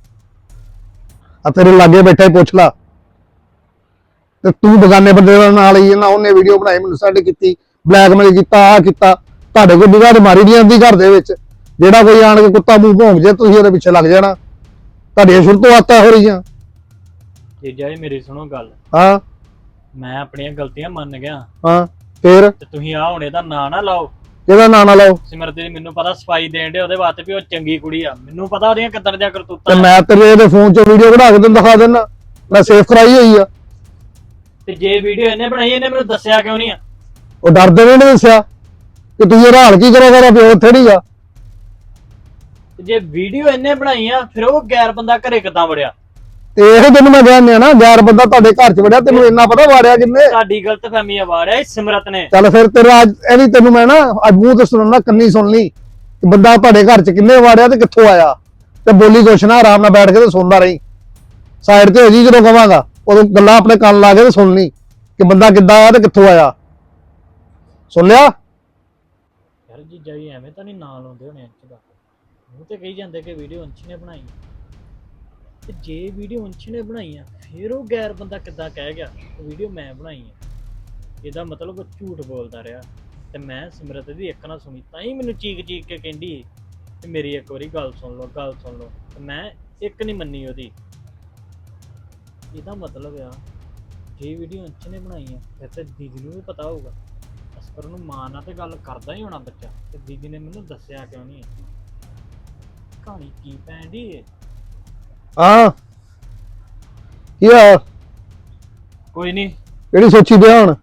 Speaker 4: ਆ ਤੇਰੇ ਲਾਗੇ ਬੈਠਾ ਹੀ ਪੁੱਛ ਲਾ। ਤੇ ਤੂੰ ਬਗਾਨੇ ਬੰਦੇ ਦਾ ਨਾਲ ਹੀ ਨਾ, ਉਹਨੇ ਵੀਡੀਓ ਬਣਾਈ, ਮੈਨੂੰ ਸੈਂਡ ਕੀਤੀ, ਬਲੈਕਮੇਲ ਕੀਤਾ, ਆ ਕੀਤਾ। ਤੁਹਾਡੇ ਕੋਲ ਨਿਗਾਹ ਮਾਰੀ ਨਹੀਂ ਆਉਂਦੀ ਘਰ ਦੇ ਵਿੱਚ, ਜਿਹੜਾ ਕੋਈ ਆਣ ਕੇ ਕੁੱਤਾ ਮੂੰਹ ਭੌਂਕ ਜੇ ਤੁਸੀਂ ਉਹਦੇ ਪਿੱਛੇ ਲੱਗ ਜਾਣਾ। ਤੁਹਾਡੀਆਂ ਸ਼ੁਰੂ ਤੋਂ ਆਦਤਾਂ ਹੋ ਰਹੀਆਂ।
Speaker 2: ਜੀਜਾ ਜੀ ਮੇਰੀ ਸੁਣੋ ਗੱਲ,
Speaker 4: ਹਾਂ
Speaker 2: ਮੈਂ ਆਪਣੀਆਂ ਗਲਤੀਆਂ ਮੰਨ ਗਿਆ,
Speaker 4: ਹਾਂ ਫੇਰ
Speaker 2: ਤੇ ਤੁਸੀਂ ਆ ਹੁਣ ਇਹਦਾ ਨਾਂ ਨਾ ਲਾਓ।
Speaker 4: ਇਹਦਾ ਨਾਂ ਨਾ ਲਾਓ।
Speaker 2: ਸਿਮਰਤ ਦੀ ਮੈਨੂੰ ਪਤਾ ਸਫਾਈ ਦੇਣ ਦੇ ਉਹਦੇ ਵਾਸਤੇ ਵੀ ਉਹ ਚੰਗੀ ਕੁੜੀ ਆ, ਮੈਨੂੰ ਪਤਾ ਉਹਦੀਆਂ ਕਿੱਦਾਂ ਦੀਆਂ
Speaker 4: ਤੇ
Speaker 2: ਕਰਤੂਤਾਂ।
Speaker 4: ਮੈਂ ਤੇਰੇ ਇਹਦੇ ਫੋਨ 'ਚੋਂ ਵੀਡੀਓ ਬਣਾ ਕੇ ਤੈਨੂੰ ਦਿਖਾ ਦਿੰਦਾ, ਮੈਂ ਸੇਵ ਕਰਾਈ ਹੋਈ ਆ।
Speaker 2: ਤੇ ਜੇ ਵੀਡੀਓ ਇਹਨੇ ਬਣਾਈ, ਇਹਨੇ ਮੈਨੂੰ ਦੱਸਿਆ ਕਿਉਂ ਨਹੀਂ ਆ?
Speaker 4: ਉਹ ਡਰਦੇ ਨੇ ਨਹੀਂ ਦੱਸਿਆ ਕਿ ਤੁਸੀਂ ਇਹ ਹਾਲ ਕੀ ਕਰੋਗੇ, ਪਿਓ ਉੱਥੇ ਨਹੀਂ ਆ।
Speaker 2: ਤੇ ਜੇ ਵੀਡੀਓ ਇਹਨੇ ਬਣਾਈ ਆ, ਫਿਰ ਉਹ ਗੈਰ ਬੰਦਾ ਘਰੇ ਕਿੱਦਾਂ ਵੜਿਆ?
Speaker 4: ਤੇ ਇਹ ਤੈਨੂੰ ਮੈਂ ਕਹਿੰਦਾ ਨਾ, ਗੈਰ ਬੰਦਾ ਤੁਹਾਡੇ ਘਰ 'ਚ ਵੜਿਆ, ਤੈਨੂੰ ਇੰਨਾ ਪਤਾ ਵਾੜਿਆ ਕਿੰਨੇ?
Speaker 2: ਸਾਡੀ ਗਲਤਫਹਿਮੀ ਆ, ਵਾੜਿਆ ਸਿਮਰਤ ਨੇ।
Speaker 4: ਚੱਲ ਫਿਰ ਤੇਰਾ ਅੱਜ ਇਹ ਵੀ ਤੈਨੂੰ ਮੈਂ ਨਾ ਅੱਜ ਮੂੰਹ ਤੇ ਸੁਣਨਾ, ਕੰਨੀ ਸੁਣ ਲਈ ਕਿ ਬੰਦਾ ਤੁਹਾਡੇ ਘਰ 'ਚ ਕਿੰਨੇ ਵਾੜਿਆ ਤੇ ਕਿੱਥੋਂ ਆਇਆ, ਤੇ ਬੋਲੀ ਕੁਛ ਨਾ, ਆਰਾਮ ਨਾਲ ਬੈਠ ਕੇ ਤੇ ਸੁਣਦਾ ਰਹੀ। ਸਾਈਡ ਤੇ ਹੋ ਜੀ ਜਦੋਂ ਕਵਾਂਗਾ ਉਦੋਂ ਗੱਲਾਂ ਆਪਣੇ ਕੰਨ ਲਾ ਕੇ ਤੇ ਸੁਣ ਲਈ ਕਿ ਬੰਦਾ ਕਿੱਦਾਂ ਆਇਆ ਤੇ ਕਿੱਥੋਂ ਆਇਆ। ਸੁਣ ਲਿਆ?
Speaker 2: ਯਾਰ ਜੀਜਾ ਜੀ ਐਵੇਂ ਤਾਂ ਨਹੀਂ ਨਾਂ ਲਾਉਂਦੇ ਹੋਣੇ ਅੰਸ਼ ਦਾ। ਉਹ ਤੇ ਕਹੀ ਜਾਂਦੇ ਕਿ ਵੀਡੀਓ ਅੰਸ਼ ਨੇ ਬਣਾਈ ਤੇ ਜੇ ਵੀਡੀਓ ਅੰਸ਼ ਨੇ ਬਣਾਈ ਆ ਫਿਰ ਉਹ ਗੈਰ ਬੰਦਾ ਕਿੱਦਾਂ ਕਹਿ ਗਿਆ ਵੀਡੀਓ ਮੈਂ ਬਣਾਈ ਆ। ਇਹਦਾ ਮਤਲਬ ਉਹ ਝੂਠ ਬੋਲਦਾ ਰਿਹਾ ਤੇ ਮੈਂ ਸਿਮਰਤ ਦੀ ਇੱਕ ਨਾ ਸੁਣੀ ਤਾਂ ਹੀ ਮੈਨੂੰ ਚੀਕ ਚੀਕ ਕੇ ਕਹਿੰਦੀ ਕਿ ਮੇਰੀ ਇੱਕ ਵਾਰੀ ਗੱਲ ਸੁਣ ਲਓ ਗੱਲ ਸੁਣ ਲਓ ਤੇ ਮੈਂ ਇੱਕ ਨਹੀਂ ਮੰਨੀ ਉਹਦੀ। ਇਹਦਾ ਮਤਲਬ ਆ ਜੇ ਵੀਡੀਓ ਅੰਸ਼ ਨੇ ਬਣਾਈ ਆ ਫਿਰ ਤੇ ਦੀਦੀ ਨੂੰ ਵੀ ਪਤਾ ਹੋਊਗਾ। ਅਸਕਰ ਨੂੰ ਮਾਂ ਨਾਲ ਤੇ ਗੱਲ ਕਰਦਾ ਹੀ ਹੋਣਾ ਬੱਚਾ ਤੇ ਦੀਦੀ ਨੇ ਮੈਨੂੰ ਦੱਸਿਆ ਕਿਉਂ ਨਹੀਂ? ਕਹਾਣੀ ਕੀ ਪੈਣ ਦੀ ਏ?
Speaker 4: ਹਾਂ ਕੀ ਆ?
Speaker 2: ਕੋਈ ਨਹੀਂ
Speaker 4: ਕਿਹੜੀ ਸੋਚੀ ਪਿਆ ਹੁਣ?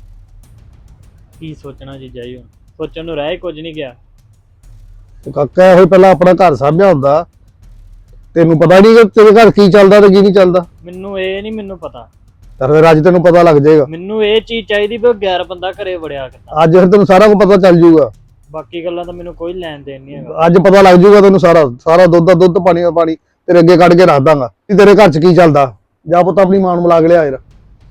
Speaker 2: ਕੀ ਸੋਚਣਾ ਜੀਜਾ ਜੀ ਹੁਣ ਸੋਚਣ ਨੂੰ ਰਹਿ ਕੁਝ ਨਹੀਂ ਗਿਆ।
Speaker 4: ਤੇ ਕਾਕਾ ਇਹੋ ਹੀ ਪਹਿਲਾਂ ਆਪਣਾ ਘਰ ਸਾਂਭਿਆ ਹੁੰਦਾ। ਤੈਨੂੰ ਪਤਾ ਨਹੀਂ ਕਿ ਤੇਰੇ ਘਰ ਕੀ ਚੱਲਦਾ ਤੇ ਕੀ ਨਹੀਂ ਚੱਲਦਾ।
Speaker 2: ਮੈਨੂੰ ਇਹ ਨਹੀਂ ਮੈਨੂੰ ਪਤਾ।
Speaker 4: ਤਾਂ ਫਿਰ ਅੱਜ ਤੈਨੂੰ ਪਤਾ ਲੱਗ ਜਾਏਗਾ।
Speaker 2: ਮੈਨੂੰ ਇਹ ਚੀਜ਼ ਚਾਹੀਦੀ ਵੀ ਉਹ ਗੈਰ ਬੰਦਾ ਘਰੇ ਵੜਿਆ ਕਿੱਦਾਂ।
Speaker 4: ਅੱਜ ਫਿਰ ਤੈਨੂੰ ਸਾਰਾ ਕੁਝ ਪਤਾ ਚੱਲ ਜਾਊਗਾ।
Speaker 2: ਬਾਕੀ ਗੱਲਾਂ ਤਾਂ ਮੈਨੂੰ ਕੋਈ ਲੈਣ ਦੇਣ ਨਹੀਂ ਹੈਗਾ।
Speaker 4: ਅੱਜ ਪਤਾ ਲੱਗ ਜਾਊਗਾ ਤੈਨੂੰ ਸਾਰਾ ਸਾਰਾ ਦੁੱਧ ਦਾ ਦੁੱਧ ਪਾਣੀ ਦਾ ਪਾਣੀ ਤੇਰੇ ਅੱਗੇ ਕੱਢ ਕੇ ਰੱਖ ਦਾਂਗਾ ਕਿ ਤੇਰੇ ਘਰ 'ਚ ਕੀ ਚੱਲਦਾ। ਜਾ ਪੁੱਤ ਆਪਣੀ ਮਾਂ ਨੂੰ ਮਿਲਾ ਕੇ ਲਿਆ ਯਾਰ।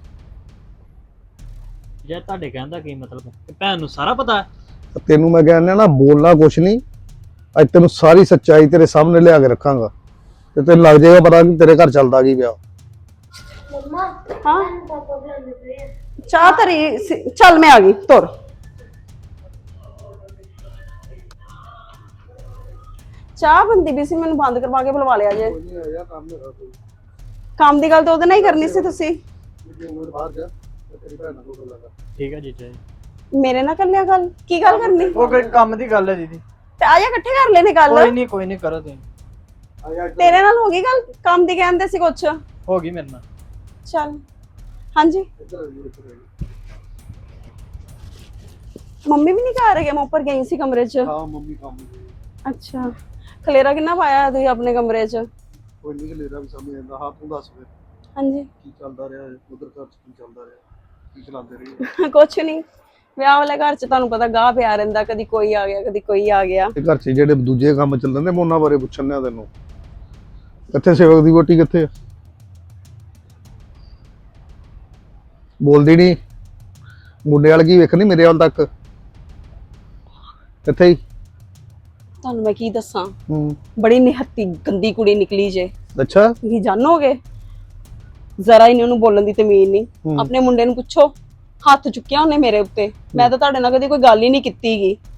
Speaker 2: ਜੇ ਤੁਹਾਡੇ ਕਹਿਣ ਦਾ ਕੀ ਮਤਲਬ ਹੈ ਕਿ ਭੈਣ ਨੂੰ ਸਾਰਾ ਪਤਾ ਹੈ?
Speaker 4: ਤੈਨੂੰ ਮੈਂ ਕਹਿੰਦਾ ਨਾ ਬੋਲਣਾ ਕੁਛ ਨਹੀਂ। ਅੱਜ ਤੈਨੂੰ ਸਾਰੀ ਸੱਚਾਈ ਤੇਰੇ ਸਾਹਮਣੇ ਲਿਆ ਕੇ ਰੱਖਾਂਗਾ ਤੇ ਤੈਨੂੰ ਲੱਗ ਜਾਏਗਾ ਪਤਾ ਕਿ ਤੇਰੇ ਘਰ ਚੱਲਦਾ ਕੀ ਪਿਆ।
Speaker 5: ਮੰਮਾ
Speaker 3: ਹਾਂ
Speaker 5: ਪਾਪਾ ਬੁਲਾਉਂਦੇ ਪਏ ਆ।
Speaker 3: ਚਾਹ ਧਰੀ ਸੀ- ਚੱਲ ਮੈਂ ਆ ਗਈ ਤੁਰ। ਚਾਹ ਬੰਦੀ ਵੀ ਸੀ ਮੈਨੂੰ ਬੰਦ ਕਰਵਾ ਕੇ ਬੁਲਵਾ ਲਿਆ ਜੇ। ਕੰਮ ਦੀ ਗੱਲ ਤਾਂ ਉਹਦੇ ਨਾਲ ਹੀ ਕਰਨੀ ਸੀ ਤੁਸੀਂ।
Speaker 2: ਠੀਕ ਹੈ ਜੀਜਾ ਜੀ।
Speaker 3: ਮੇਰੇ ਨਾਲ ਕਰ ਲਿਆ ਗੱਲ। ਕੀ ਗੱਲ ਕਰਨੀ?
Speaker 2: ਉਹ ਕੋਈ ਕੰਮ ਦੀ ਗੱਲ ਹੈ ਦੀਦੀ।
Speaker 3: ਤੇ ਆ ਜਾ ਇਕੱਠੇ ਕਰ ਲੈਨੇ ਗੱਲ।
Speaker 2: ਕੋਈ ਨਹੀਂ ਕੋਈ ਨਹੀਂ ਕਰੋ ਤੁਸੀਂ।
Speaker 3: ਤੇਰੇ ਨਾਲ ਹੋ ਗਈ ਗੱਲ? ਕੰਮ ਦੀ ਕਹਿੰਦੇ ਸੀ ਕੁਛ।
Speaker 2: ਹੋ ਗਈ ਮੇਰੇ ਨਾਲ।
Speaker 3: ਚੱਲ ਹਾਂਜੀ। ਮੰਮੀ ਵੀ ਨਹੀਂ ਘਰ ਹੈਗੇ? ਮੈਂ ਉੱਪਰ ਗਈ ਸੀ ਕਮਰੇ 'ਚ।
Speaker 4: ਹਾਂ ਮੰਮੀ ਕੰਮ
Speaker 3: ਅੱਛਾ ਖਲੇਰਾ ਕਿੰਨਾ ਪਾਇਆ ਤੁਸੀਂ ਆਪਣੇ ਕਮਰੇ 'ਚ?
Speaker 4: ਕੋਈ ਨਹੀਂ ਲੇਰਾ ਵੀ ਸਾਹਮਣੇ ਆਂਦਾ। ਹਾਂ ਤੂੰ ਦੱਸ ਫਿਰ
Speaker 3: ਹਾਂਜੀ
Speaker 4: ਕੀ ਚੱਲਦਾ ਰਿਹਾ ਉਧਰ ਘਰ 'ਚ ਕੀ ਚੱਲਦਾ ਰਿਹਾ ਕੀ ਚਲਾਉਂਦੇ ਰਹੇ?
Speaker 3: ਕੁਛ ਨਹੀਂ। ਵਿਆਹ ਵਾਲੇ ਘਰ 'ਚ ਤੁਹਾਨੂੰ ਪਤਾ ਗਾਹ ਪਿਆ ਰਹਿੰਦਾ। ਕਦੀ ਕੋਈ ਆ ਗਿਆ ਕਦੀ ਕੋਈ ਆ ਗਿਆ।
Speaker 4: ਇਹ ਘਰ 'ਚ ਜਿਹੜੇ ਦੂਜੇ ਕੰਮ ਚੱਲਦੇ ਨੇ ਮੈਂ ਉਹਨਾਂ ਬਾਰੇ ਪੁੱਛਣ ਆ ਤੈਨੂੰ। ਕਿੱਥੇ ਸੇਵਕ ਦੀ ਵੋਟੀ ਕਿੱਥੇ ਆ? ਬੋਲਦੀ ਨਹੀਂ। ਮੁੰਡੇ ਵਾਲ ਕੀ ਵੇਖਣੀ ਮੇਰੇ ਵੱਲ ਤੱਕ ਕਿੱਥੇ ਹੀ?
Speaker 3: ਤੁਹਾਨੂੰ ਮੈਂ ਕੀ ਦੱਸਾਂ
Speaker 4: ਹੂੰ
Speaker 3: ਬੜੀ ਨਿਹੱਤੀ ਗੰਦੀ ਕੁੜੀ ਨਿਕਲੀ ਜੇ।
Speaker 4: ਅੱਛਾ
Speaker 3: ਤੁਸੀਂ ਜਾਣੋਗੇ ਜ਼ਰਾ ਹੀ ਨੀ ਉਹਨੂੰ ਬੋਲਣ ਦੀ ਤਮੀਜ਼ ਨਹੀਂ।
Speaker 4: ਹੂੰ।
Speaker 3: ਆਪਣੇ ਮੁੰਡੇ ਨੂੰ ਪੁੱਛੋ ਹੱਥ ਚੁੱਕਿਆ ਉਹਨੇ ਮੇਰੇ ਉੱਤੇ। ਮੈਂ ਤਾਂ ਤੁਹਾਡੇ ਨਾਲ ਕਦੀ ਕੋਈ ਗੱਲ ਹੀ ਨਹੀਂ ਕੀਤੀਗੀ।